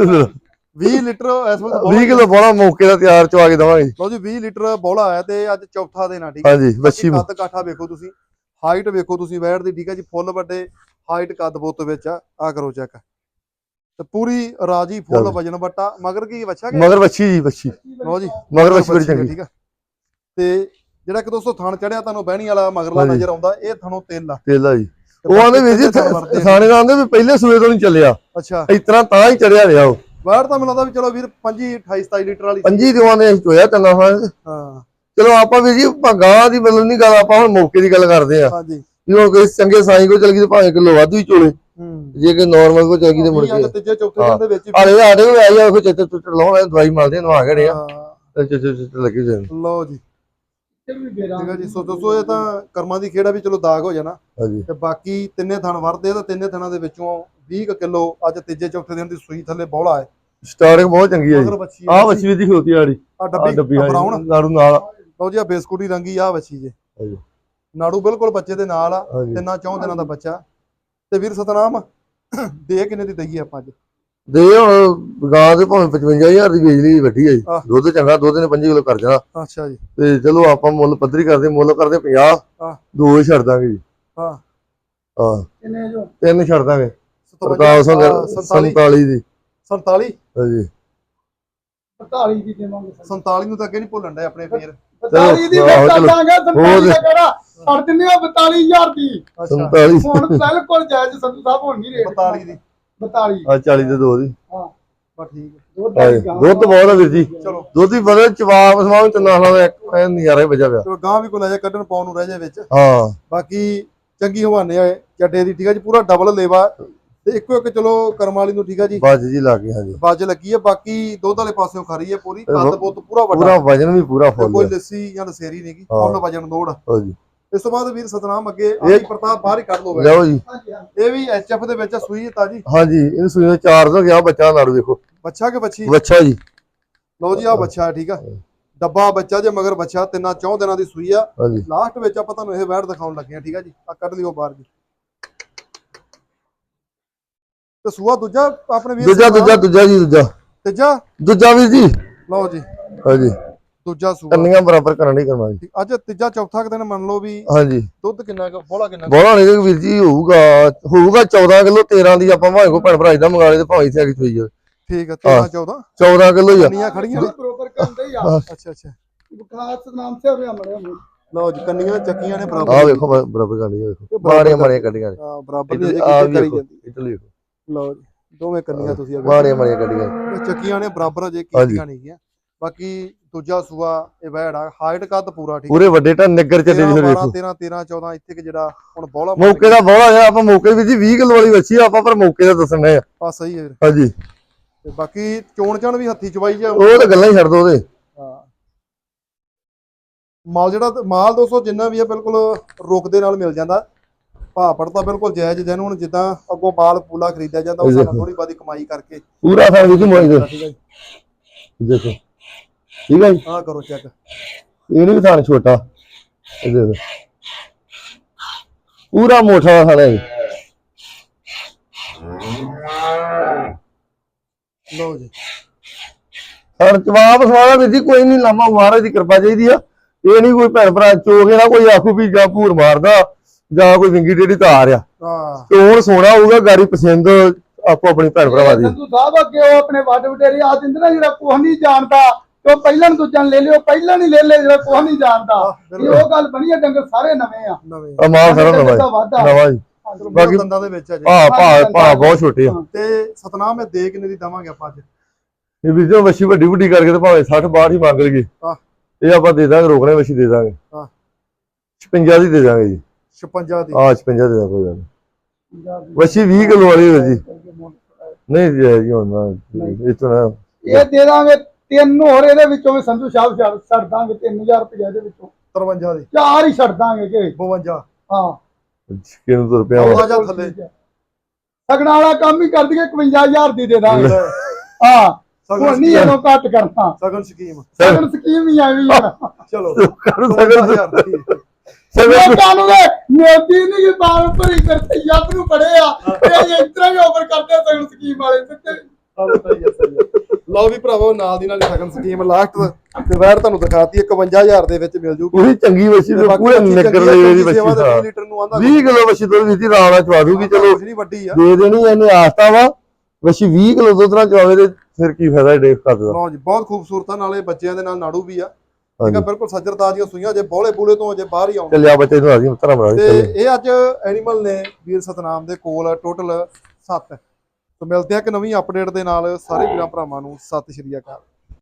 A: 20 ਲੀਟਰ ਇਸ ਵਕਤ
B: 20 ਕਿਲੋ ਬੋਲਾ ਮੌਕੇ ਦਾ ਤਿਆਰ ਚਵਾ ਕੇ ਦਵਾਂਗੇ
A: ਲਓ ਜੀ 20 ਲੀਟਰ ਬੋਲਾ ਆਇਆ ਤੇ ਅੱਜ ਚੌਥਾ ਦਿਨ ਆ ਠੀਕ ਹੈ
B: ਹਾਂਜੀ ਵੱਛੀ
A: ਕੱਦ ਕਾਠਾ ਵੇਖੋ ਤੁਸੀਂ ਹਾਈਟ ਵੇਖੋ ਤੁਸੀਂ ਵੈੜ ਦੀ ਠੀਕ ਹੈ ਜੀ ਫੁੱਲ ਵੱਡੇ ਹਾਈਟ ਕੱਦ ਬੁੱਤ ਵਿੱਚ ਆ ਕਰੋ ਚੈੱਕ ਤੇ ਪੂਰੀ ਰਾਜੀ ਫੁੱਲ
B: ਚਲੋ।
A: ਵਜਨ ਵੱਟਾ ਮਗਰ ਕੀ ਬੱਚਾ ਕਿ
B: ਮਗਰ ਵੱਛੀ ਜੀ ਵੱਛੀ
A: ਲਓ ਜੀ
B: ਮਗਰ ਵੱਛੀ ਬੜੀ
A: ਬੱਚੀ ਹੈ,
B: ਚੰਗੀ
A: ਠੀਕ ਆ ਤੇ ਜਿਹੜਾ ਕਿ ਦੋਸਤੋ ਥਣ ਚੜਿਆ ਤੁਹਾਨੂੰ ਬਹਿਣੀ ਵਾਲਾ ਮਗਰਲਾ
B: ਹਾਂਜੀ।
A: ਨਜ਼ਰ ਆਉਂਦਾ ਇਹ ਥਣੋਂ ਤਿਲ ਆ
B: ਤੇਲ ਆ ਜੀ
A: ਤੇ
B: ਉਹ ਆਂਦੇ ਵੀਰ ਜੀ
A: ਥਣ ਵਰਤੇ ਨੇ।
B: ਥਾਣੇ ਦਾ ਆਂਦੇ ਵੀ ਪਹਿਲੇ ਸੂਏ ਤੋਂ ਨਹੀਂ ਚੱਲਿਆ
A: ਅੱਛਾ
B: ਇਸ ਤਰ੍ਹਾਂ ਤਾਂ ਹੀ ਚੜਿਆ ਰਿਹਾ ਉਹ
A: ਵੈੜ ਤਾਂ ਮੈਨੂੰ ਲੱਗਦਾ ਵੀ ਚਲੋ ਵੀਰ 25 28 27 ਲੀਟਰ ਵਾਲੀ ਸੀ।
B: 25 ਦਿਵਾਂ ਨੇ ਚੋਇਆ ਚੱਲਣਾ ਹਾਂ
A: ਹਾਂ
B: ਚਲੋ ਆਪਾਂ ਵੀ ਜੀ ਗਾਂ ਦੀ ਮਤਲਬ ਨਹੀਂ ਗੱਲ ਆਪਾਂ ਹੁਣ ਮੌਕੇ ਦੀ ਗੱਲ ਕਰਦੇ ਆ
A: ਹਾਂਜੀ
B: ਵੀ ਹੁਣ ਕੋਈ ਚੰਗੇ ਸਾਈਂ ਕੋ ਚਲ ਗਈ ਤੇ ਭਾਵੇਂ ਕਿਲੋ ਵਾਧੂ ਹੀ ਚੋਲੇ
A: ਹੂੰ
B: ਜੇ ਕਿ ਨਾਰਮਲ ਕੋ ਚਲ ਗਈ ਤੇ ਮੁੜ
A: ਅੱਜ
B: ਕੇ
A: ਤੀਜੇ ਚੌਥੇ ਦਿਨ ਦੇ ਵਿੱਚ ਹੀ
B: ਆਲੇ ਆਡੇ ਕੋ ਆਈ ਆ ਉਹ ਚਿੱਤ ਚੁੱਟ ਲਾਉਣਾ ਦਵਾਈ ਮਾਰਦੇ ਨਵਾ ਗੜੇ ਆ
A: ਹਾਂ,
B: ਤੇ ਚਿੱਤ ਲੱਗੀ ਜਾਣ
A: ਲਓ ਜੀ
C: ਵੀ ਬੇਰਾ
A: ਠੀਕ ਹੈ ਜੀ ਸੋ ਦੋਸਤੋ ਇਹ ਤਾਂ ਕਰਮਾਂ ਦੀ ਖੇੜਾ ਵੀ ਚਲੋ ਦਾਗ ਹੋ ਜਾਣਾ
B: ਹਾਂਜੀ
A: ਤੇ ਬਾਕੀ ਤਿੰਨੇ ਥਣ ਵਰਦੇ ਤੇ ਤਿੰਨੇ ਥਣਾਂ ਦੇ ਵਿੱਚੋਂ 20 ਕਿਲੋ ਅੱਜ ਤੀਜੇ ਚੌਥੇ ਦਿਨ ਦੀ ਸੂਈ ਥੱਲੇ ਬੌਲਾ ਹੈ
B: ਸਟਾਰਟਿੰਗ ਬਹੁਤ ਚੰਗੀ ਹੈ
A: ਮਗਰ
B: ਜੀ
A: ਬੱਚੀ
B: ਆਹ ਵੱਛੀ ਵੀ ਦੀ ਖੋਤੀ ਆੜੀ
A: ਆ
B: ਆਹ
A: ਡੱਬੀ
B: ਡੱਬੀ
A: ਬਰਾਉਨ
B: ਨਾੜੂ ਨਾਲ
A: ਲਓ ਜੀ ਆ ਬਿਸਕੁਟੀ ਰੰਗੀ ਆ ਬੱਚੀ ਜੇ
B: ਹਾਂਜੀ
A: ਨਾੜੂ ਬਿਲਕੁਲ ਬੱਚੇ ਦੇ ਨਾਲ ਆ
B: ਹਾਂਜੀ
A: ਤਿੰਨਾਂ ਚੌਂ ਦਿਨਾਂ ਦਾ ਬੱਚਾ ਤੇ ਵੀਰ ਸਤਨਾਮ ਦੇ ਕਿੰਨੇ ਦੀ ਦਈਏ ਆਪਾਂ ਅੱਜ
B: ਦੇ ਹੁਣ ਗਾਂ ਦੇ ਭਾਵੇਂ 55000 ਦੀ ਵੇਚ ਲਈ ਵੱਡੀ ਹੈ ਜੀ
A: ਆਹ।
B: ਦੁੱਧ ਚੰਗਾ ਦੁੱਧ ਨੇ 5 ਕਿਲੋ ਕਰ ਜਾਣਾ
A: ਅੱਛਾ ਜੀ
B: ਤੇ ਚਲੋ ਆਪਾਂ ਮੁੱਲ ਪੱਧਰੀ ਕਰਦੇ ਮੁੱਲ ਕਰਦੇ 50
A: ਆਹ।
B: ਦੋ ਹੀ ਛੱਡ ਦਾਂਗੇ ਜੀ
A: ਹਾਂ
B: ਹਾਂ
C: ਕਿੰਨੇ ਜੋ
B: ਤਿੰਨ ਛੱਡ ਦਾਂਗੇ
A: 47
B: 47 ਦੀ
A: 47
B: ਹਾਂਜੀ
C: 45 ਦੀ ਦੇਵਾਂਗੇ
A: 47 ਨੂੰ ਤਾਂ ਅੱਗੇ ਨਹੀਂ ਭੁੱਲਣ ਦੇ ਆਪਣੇ ਵੀਰ
C: 45 ਦੀ
B: ਆਹੋ,
C: ਫਿਰ
B: ਚਲੋ।
C: ਦਾਂਗੇ 47 ਦਾ ਕਿਹੜਾ ਛੱਡ ਦਿੰਨੇ ਆ 42000 ਦੀ
A: ਅੱਛਾ
B: 47
C: ਹੁਣ ਬਿਲਕੁਲ ਜਾਇਜ਼ ਸੰਧੂ ਸਾਹਿਬ ਹੁਣ ਨਹੀਂ ਰੇਟ
A: 42 ਦੀ
C: 42
B: ਆ 40 ਦੇ ਦੋ ਦੀ
C: ਹਾਂ
A: ਬਸ ਠੀਕ ਹੈ
C: ਦੁੱਧ
B: ਹਾਂਜੀ,
C: ਵਾਲੀ ਗਾਂ।
B: ਦੁੱਧ ਬਹੁਤ ਆ ਵੀਰ ਜੀ
A: ਚਲੋ
B: ਦੁੱਧ ਹੀ ਬਦਲ ਚਵਾਪ ਸਮਾਂ ਚੰਨਾ ਨਾਲ ਇੱਕ ਐਨ ਨਜ਼ਾਰਾ ਹੀ ਵੱਜਾ ਪਿਆ
A: ਚਲੋ ਗਾਂ ਵੀ ਕੋਈ ਲੈ ਜਾ ਕੱਢਣ ਪਾਉਣ ਨੂੰ ਰਹਿ ਜਾ ਵਿੱਚ
B: ਹਾਂ
A: ਬਾਕੀ ਚੰਗੀ ਹਵਾਨੇ ਆ ਚੱਡੇ ਦੀ ਠੀਕ ਹੈ ਜੀ ਪੂਰਾ ਡਬਲ ਲੇਵਾ ਤੇ ਇੱਕੋ ਇੱਕ ਚਲੋ ਕਰਮ ਵਾਲੀ ਨੂੰ ਠੀਕ ਹੈ ਜੀ
B: ਬਾਜ ਜੀ ਲੱਗ ਗਈ ਹਾਂਜੀ
A: ਬਾਜ ਲੱਗੀ ਹੈ ਬਾਕੀ ਦੁੱਧ ਵਾਲੇ ਪਾਸਿਓਂ ਖਰੀ ਹੈ ਪੂਰੀ
B: ਇਹ
A: ਕੱਦ ਬੁੱਤ ਪੂਰਾ ਵੱਡਾ
B: ਪੂਰਾ ਵਜਨ ਵੀ ਪੂਰਾ
A: ਤੇ
B: ਫੁੱਲ
A: ਕੋਈ
B: ਹੈ
A: ਲੱਸੀ ਜਾਂ ਲਸੇਰੀ ਨਹੀਂਗੀ
B: ਹਾਂ।
A: ਫੁੱਲ ਵਜਨ ਦੋੜ
B: ਹਾਂਜੀ
A: ਇਸ ਤੋਂ ਬਾਅਦ ਵੀਰ ਸਤਨਾਮ ਅੱਗੇ ਆਦੀ ਪ੍ਰਤਾਪ ਬਾਹਰ ਹੀ ਕੱਢ ਲੋ
B: ਲਓ ਜੀ
C: ਹਾਂਜੀ, ਹਾਂਜੀ।
A: ਇਹ ਵੀ ਐਚਐਫ ਦੇ ਵਿੱਚ ਸੂਈ ਹੈ ਤਾਜੀ
B: ਹਾਂਜੀ ਇਹਨੂੰ ਸੂਈ 4 ਤੋਂ ਗਿਆ ਬੱਚਾ ਨਾੜੂ ਦੇਖੋ
A: ਬੱਚਾ ਕਿ ਬੱਚੀ
B: ਬੱਚਾ ਜੀ
A: ਲਓ ਜੀ ਆ ਬੱਚਾ ਹੈ, ਠੀਕ ਆ ਡੱਬਾ ਬੱਚਾ ਜੇ ਮਗਰ ਬੱਚਾ ਤਿੰਨਾਂ ਚੌਂ ਦਿਨਾਂ ਦੀ ਸੂਈ ਆ
B: ਹਾਂਜੀ
A: ਲਾਸਟ ਵਿੱਚ ਆਪਾਂ ਤੁਹਾਨੂੰ ਇਹ ਵੈੜ ਦਿਖਾਉਣ ਲੱਗੇ ਆ ਠੀਕ ਆ ਜੀ ਆ ਕੱਢ ਲਿਓ ਬਾਹਰ ਜੀ ਤੇ ਸੂਆ ਦੂਜਾ ਆਪਣੇ ਵੀਰ
B: ਦੂਜਾ
A: ਸਤਨਾਮ,
B: ਦੂਜਾ ਦੂਜਾ ਜੀ ਦੂਜਾ
A: ਤੀਜਾ
B: ਦੂਜਾ ਵੀਰ ਜੀ
A: ਲਓ ਜੀ
B: ਹਾਂਜੀ
A: ਦੂਜਾ ਸੂਆ
B: ਕੰਨੀਆਂ ਬਰਾਬਰ ਕਰਨ ਦੀ ਕਰਨਾ ਜੀ
A: ਅੱਜ ਤੀਜਾ ਚੌਥਾ ਕੁ ਦਿਨ ਮੰਨ ਲਓ ਵੀ
B: ਹਾਂਜੀ
A: ਦੁੱਧ ਕਿੰਨਾ ਕੁ ਬੋਲਾ ਕਿੰਨਾ ਕੁ?
B: ਬੋਲਾ ਨਹੀਂ ਵੀਰ ਜੀ ਹੋਊਗਾ 14 ਕਿਲੋ 13 ਦੀ ਆਪਾਂ ਭਾਵੇਂ ਕੋ ਭੈਣ ਭਰਾ ਦਾ ਮੰਗਾ ਲੇ ਤੇ ਭਾਵੇਂ ਇੱਥੇ ਆ ਕੇ ਚੋਈ ਜਾਵੇ
A: ਠੀਕ ਆ 13 14
B: 14 ਕਿਲੋ ਹੀ ਆ
A: ਕੰਨੀਆਂ ਖੜੀਆਂ ਨੇ
C: ਬਰੋਬਰ ਕਰਦੇ ਹੀ ਆ
A: ਅੱਛਾ ਅੱਛਾ
C: ਬਖਾਸ ਨਾਮ ਸੇ ਹੋਇਆ ਮੜਿਆ
A: ਲਓ ਜੀ ਕੰਨੀਆਂ ਚੱਕੀਆਂ ਨੇ
B: ਆ
A: ਬਰਾਬਰ
B: ਵੇਖੋ ਬਰਾਬਰ ਕਰਨੀ ਵੇਖੋ ਮਾੜੀਆਂ ਮਾੜੀਆਂ ਕੱਢੀਆਂ ਨੇ
A: ਹਾਂ ਬਰਾਬਰ ਦੀ ਅਜੇ
B: ਆ
A: ਕਿਤੇ ਕਰੀ
B: ਵੇਖੋ
A: ਜਾਂਦੀ
B: ਇੱਧਰ ਵੇਖੋ
A: ਲਓ ਜੀ ਦੋਵੇਂ ਕੰਨੀਆਂ ਤੁਸੀਂ ਆ
B: ਮਾੜੀਆਂ ਮਾੜੀਆਂ ਕੱਢੀਆਂ ਨੇ।
A: ਇਹ ਚੱਕੀਆਂ ਨੇ ਬਰਾਬਰ ਅਜੇ ਕੀਤੀਆਂ ਨਹੀਂ ਗਿਆ ਬਾਕੀ ਦੂਜਾ ਸੂਆ ਇਹ ਵੈੜ ਆ ਹਾਈਟ ਕੱਦ ਪੂਰਾ ਠੀਕ
B: ਪੂਰੇ ਵੱਡੇ ਟਾ ਨਿੱਗਰ ਚੱਲੇ ਜੀ ਫਿਰ
A: 12
B: ਵੇਖੋ
A: 13 13 14 ਇੱਥੇ ਕਿ ਜਿਹੜਾ ਹੁਣ ਬੋਲਾ
B: ਮੌਕੇ ਦਾ ਬੋਲਾ ਆ ਆਪਾਂ ਮੌਕੇ ਵਿੱਚ 20 ਕਿਲੋ ਵਾਲੀ ਵੱਛੀ ਆ ਆਪਾਂ ਪਰ ਮੌਕੇ ਦਾ ਦੱਸਣੇ ਆ
A: ਆ ਸਹੀ ਹੈ ਵੀਰ।
B: ਹਾਂਜੀ
A: ਤੇ ਬਾਕੀ ਚੋਣ ਚਾਣ ਵੀ ਹੱਥੀ ਚਵਾਈ ਜਾ
B: ਉਹ ਤਾਂ ਗੱਲਾਂ ਹੀ ਛੱਡ ਦੋ ਉਹਦੇ
A: ਹਾਂ ਮਾਲ ਜਿਹੜਾ ਮਾਲ 200 ਜਿੰਨਾ ਵੀ ਆ ਬਿਲਕੁਲ ਰੁਕ ਦੇ ਨਾਲ ਮਿਲ ਜਾਂਦਾ ਭਾਪੜ ਤਾਂ ਬਿਲਕੁਲ ਜਾਇਜ਼ ਜਿਹਨੂੰ ਹੁਣ ਜਿੱਦਾਂ ਅੱਗੋਂ ਮਾਲ ਪੂਲਾ ਖਰੀਦਿਆ ਜਾਂਦਾ ਉਹ ਸਾਨੂੰ ਥੋੜੀ ਬਾਦੀ ਕਮਾਈ ਕਰਕੇ
B: ਪੂਰਾ ਥਾਂ ਵਿੱਚ ਮੋਈ ਦੇ
A: ਠੀਕ ਹੈ ਜੀ
B: ਦੇਖੋ ਠੀਕ ਹੈ ਜੀ
A: ਆਹ ਕਰੋ ਚੈੱਕ
B: ਇਹਨੂੰ ਵੀ ਥਾਂ ਛੋਟਾ ਇਹ ਦੇਖੋ ਪੂਰਾ ਮੋਟਾ ਥਾਂ ਹੈ
A: ਲਓ ਜੀ
B: ਹਰ ਜਵਾਬ ਸਵਾਲਾ ਵੀਰ ਜੀ ਕੋਈ ਨਹੀਂ, ਲਾਮਾ ਮਹਾਰਾਜ ਦੀ ਕਿਰਪਾ ਚਾਹੀਦੀ ਆ। ਇਹ ਨਹੀਂ ਕੋਈ ਭੈਣ ਭਰਾ ਚੋਗੇ ਨਾ ਕੋਈ ਆਖੂ ਵੀ ਜਾਂ ਭੂਰ ਮਾਰਦਾ ਜਾਂ ਕੋਈ ਵਿੰਗੀ ਟੇਢੀ ਧਾਰ ਆ।
A: ਹਾਂ
B: ਤੇ ਹੁਣ ਸੋਨਾ ਹੋਊਗਾ ਗਾੜੀ ਪਸੰਦ ਆਪੋ ਆਪਣੀ ਭੈਣ ਭਰਾਵਾਂ ਦੀ।
C: ਸੰਧੂ ਸਾਹਿਬ ਅੱਗੇ ਉਹ ਆਪਣੇ ਵੱਡ ਵਡੇਰੇ ਆ ਦਿੰਦੇ ਨਾ, ਜਿਹੜਾ ਕੁਛ ਨਹੀਂ ਜਾਣਦਾ ਤੇ ਉਹ ਪਹਿਲਾਂ ਨੂੰ ਦੂਜਾ ਲੈ ਲਿਓ, ਪਹਿਲਾਂ ਨਹੀਂ ਲੈ ਜਿਹੜਾ ਕੁਛ ਨਹੀਂ ਜਾਣਦਾ। ਇਹ ਉਹ ਗੱਲ ਬਣੀ ਆ, ਡੰਗਰ ਸਾਰੇ ਨਵੇਂ ਆ।
A: ਨਵੇਂ
B: ਆ ਮਾਲ ਸਾਰਾ ਨਵਾਂ ਜੀ।
A: ਬਾਕੀ ਦੰਦਾਂ ਦੇ ਵਿੱਚ ਆ ਜੀ।
B: ਭਾ ਬਹੁਤ ਛੋਟੇ ਆ।
A: ਤੇ ਸਤਨਾਮ ਇਹ ਦੇ ਕਿੰਨੇ ਦੀ ਦਵਾਂਗੇ ਆਪਾਂ ਅੱਜ?
B: ਇਹ ਵੀਰ ਜੀ ਵੱਛੀ ਵੱਡੀ ਕਰਕੇ ਤੇ ਭਾਵੇਂ 60 62 ਹੀ ਮੰਗ ਲਈਏ,
A: ਹਾਂ
B: ਇਹ ਆਪਾਂ ਦੇ ਦਾਂਗੇ, ਰੋਕਣੇ ਵੱਛੀ ਦੇ ਦਾਂਗੇ।
A: ਹਾਂ
B: 56 ਦੀ ਦੇ ਦਾਂਗੇ ਜੀ।
A: 56 ਦੀ
B: 56 ਦੇ ਦਾਂਗੇ, ਕੋਈ ਗੱਲ ਨਹੀਂ। ਵੱਛੀ 20 ਕਿਲੋ ਵਾਲੀ ਹੈ ਜੀ। ਨਹੀਂ ਜੀ ਹੁਣ ਇਤਨਾ
C: ਇਹ ਦੇ ਦਾਂਗੇ 3 ਹੋਰ, ਇਹਦੇ ਵਿੱਚੋਂ ਵੀ ਸੰਧੂ ਸਾਹਿਬ ਛੱਡ ਦਾਂਗੇ 3000 ਰੁਪਏ ਇਹਦੇ ਵਿੱਚੋਂ।
A: 53 ਦੀ
C: 4 ਹੀ ਛੱਡ ਦਾਂਗੇ ਕਿ
A: 52
C: ਹਾਂ
B: ਕਿੰਨੇ ਤੋਂ ਰੁਪਏ
A: ਉਹ ਜਾ ਥੱਲੇ
C: ਸਗਣਾ ਵਾਲਾ ਕੰਮ ਹੀ ਕਰ ਦਈਏ 51000 ਦੀ ਦੇ ਦਾਂਗੇ। ਹਾਂ ਹੁਣ ਨਹੀਂ ਇਹਨੂੰ ਘੱਟ ਕਰਨਾ,
A: ਸਗਨ ਸਕੀਮ
C: ਸਗਨ ਸਕੀਮ ਹੀ ਆਈ ਵੀ ਆ।
A: ਚਲੋ
B: ਸਗਨ
C: ਲੋਕਾਂ ਨੂੰ ਮੋਦੀ ਨਹੀਂ ਕਿ ਬਾਲ ਭਰੀ ਕਰਤੇ ਯੱਬ ਨੂੰ ਪੜੇ ਆ, ਇਹ ਇਸ ਤਰ੍ਹਾਂ ਹੀ ਓਵਰ ਕਰਦੇ ਆ ਸਗਨ ਸਕੀਮ ਵਾਲੇ ਤੇ।
A: ਲਓ ਵੀ ਭਰਾਵੋ, ਨਾਲ ਦੀ ਨਾਲ ਸਗਨ ਸਕੀਮ ਲਾਸਟ ਤੇ ਵੈਰ ਤੁਹਾਨੂੰ ਦਿਖਾਤੀ 51000 ਦੇ ਵਿੱਚ ਮਿਲ ਜੂਗੀ।
B: ਪੂਰੀ ਚੰਗੀ ਵੱਛੀ ਤੇ ਪੂਰੇ ਨਿਕਰ ਦੇ ਦੀ ਵੱਛੀ।
A: 20 ਲੀਟਰ ਨੂੰ ਆਂਦਾ
B: 20 ਕਿਲੋ ਵੱਛੀ ਦੁੱਧ ਦਿੱਤੀ ਰਾਣਾ ਨਾਲ ਚਵਾ ਦੂਗੀ। ਚਲੋ
A: ਨਹੀਂ ਵੱਡੀ ਆ,
B: ਦੇ ਦੇਣੀ ਇਹਨੇ ਆਸਤਾ ਵਾ। ਵੱਛੀ 20 ਕਿਲੋ ਦੁੱਧ ਨਾਲ ਚਵਾਵੇ ਤੇ ਫਿਰ ਕੀ ਫਾਇਦਾ ਡੇਕ ਕਰਦਾ।
A: ਲਓ ਜੀ ਬਹੁਤ ਖੂਬਸੂਰਤ ਆ, ਨਾਲੇ ਬੱਚਿਆਂ ਦੇ ਨਾਲ ਨਾੜੂ ਵੀ ਆ। ਠੀਕ ਆ, ਬਿਲਕੁਲ ਸੱਜਰਤਾ ਦੀਆਂ ਸੂਈਆਂ, ਜੇ ਬੋਲੇ ਬੂਲੇ ਤੋਂ ਅਜੇ ਬਾਹਰ ਹੀ ਆਉਣ।
B: ਚੱਲਿਆ ਬੱਚੇ ਨੂੰ ਆਜੀ ਧਰਮ ਰਾਜ
A: ਤੇ ਇਹ ਅੱਜ ਐਨੀਮਲ ਨੇ ਵੀਰ ਸਤਨਾਮ ਦੇ ਕੋਲ ਟੋਟਲ 7। ਤੇ ਮਿਲਦੇ ਆ ਇੱਕ ਨਵੀਂ ਅਪਡੇਟ ਦੇ ਨਾਲ। ਸਾਰੇ ਵੀਰਾਂ ਭਰਾਵਾਂ ਨੂੰ ਸਤਿ ਸ਼੍ਰੀ ਅਕਾਲ।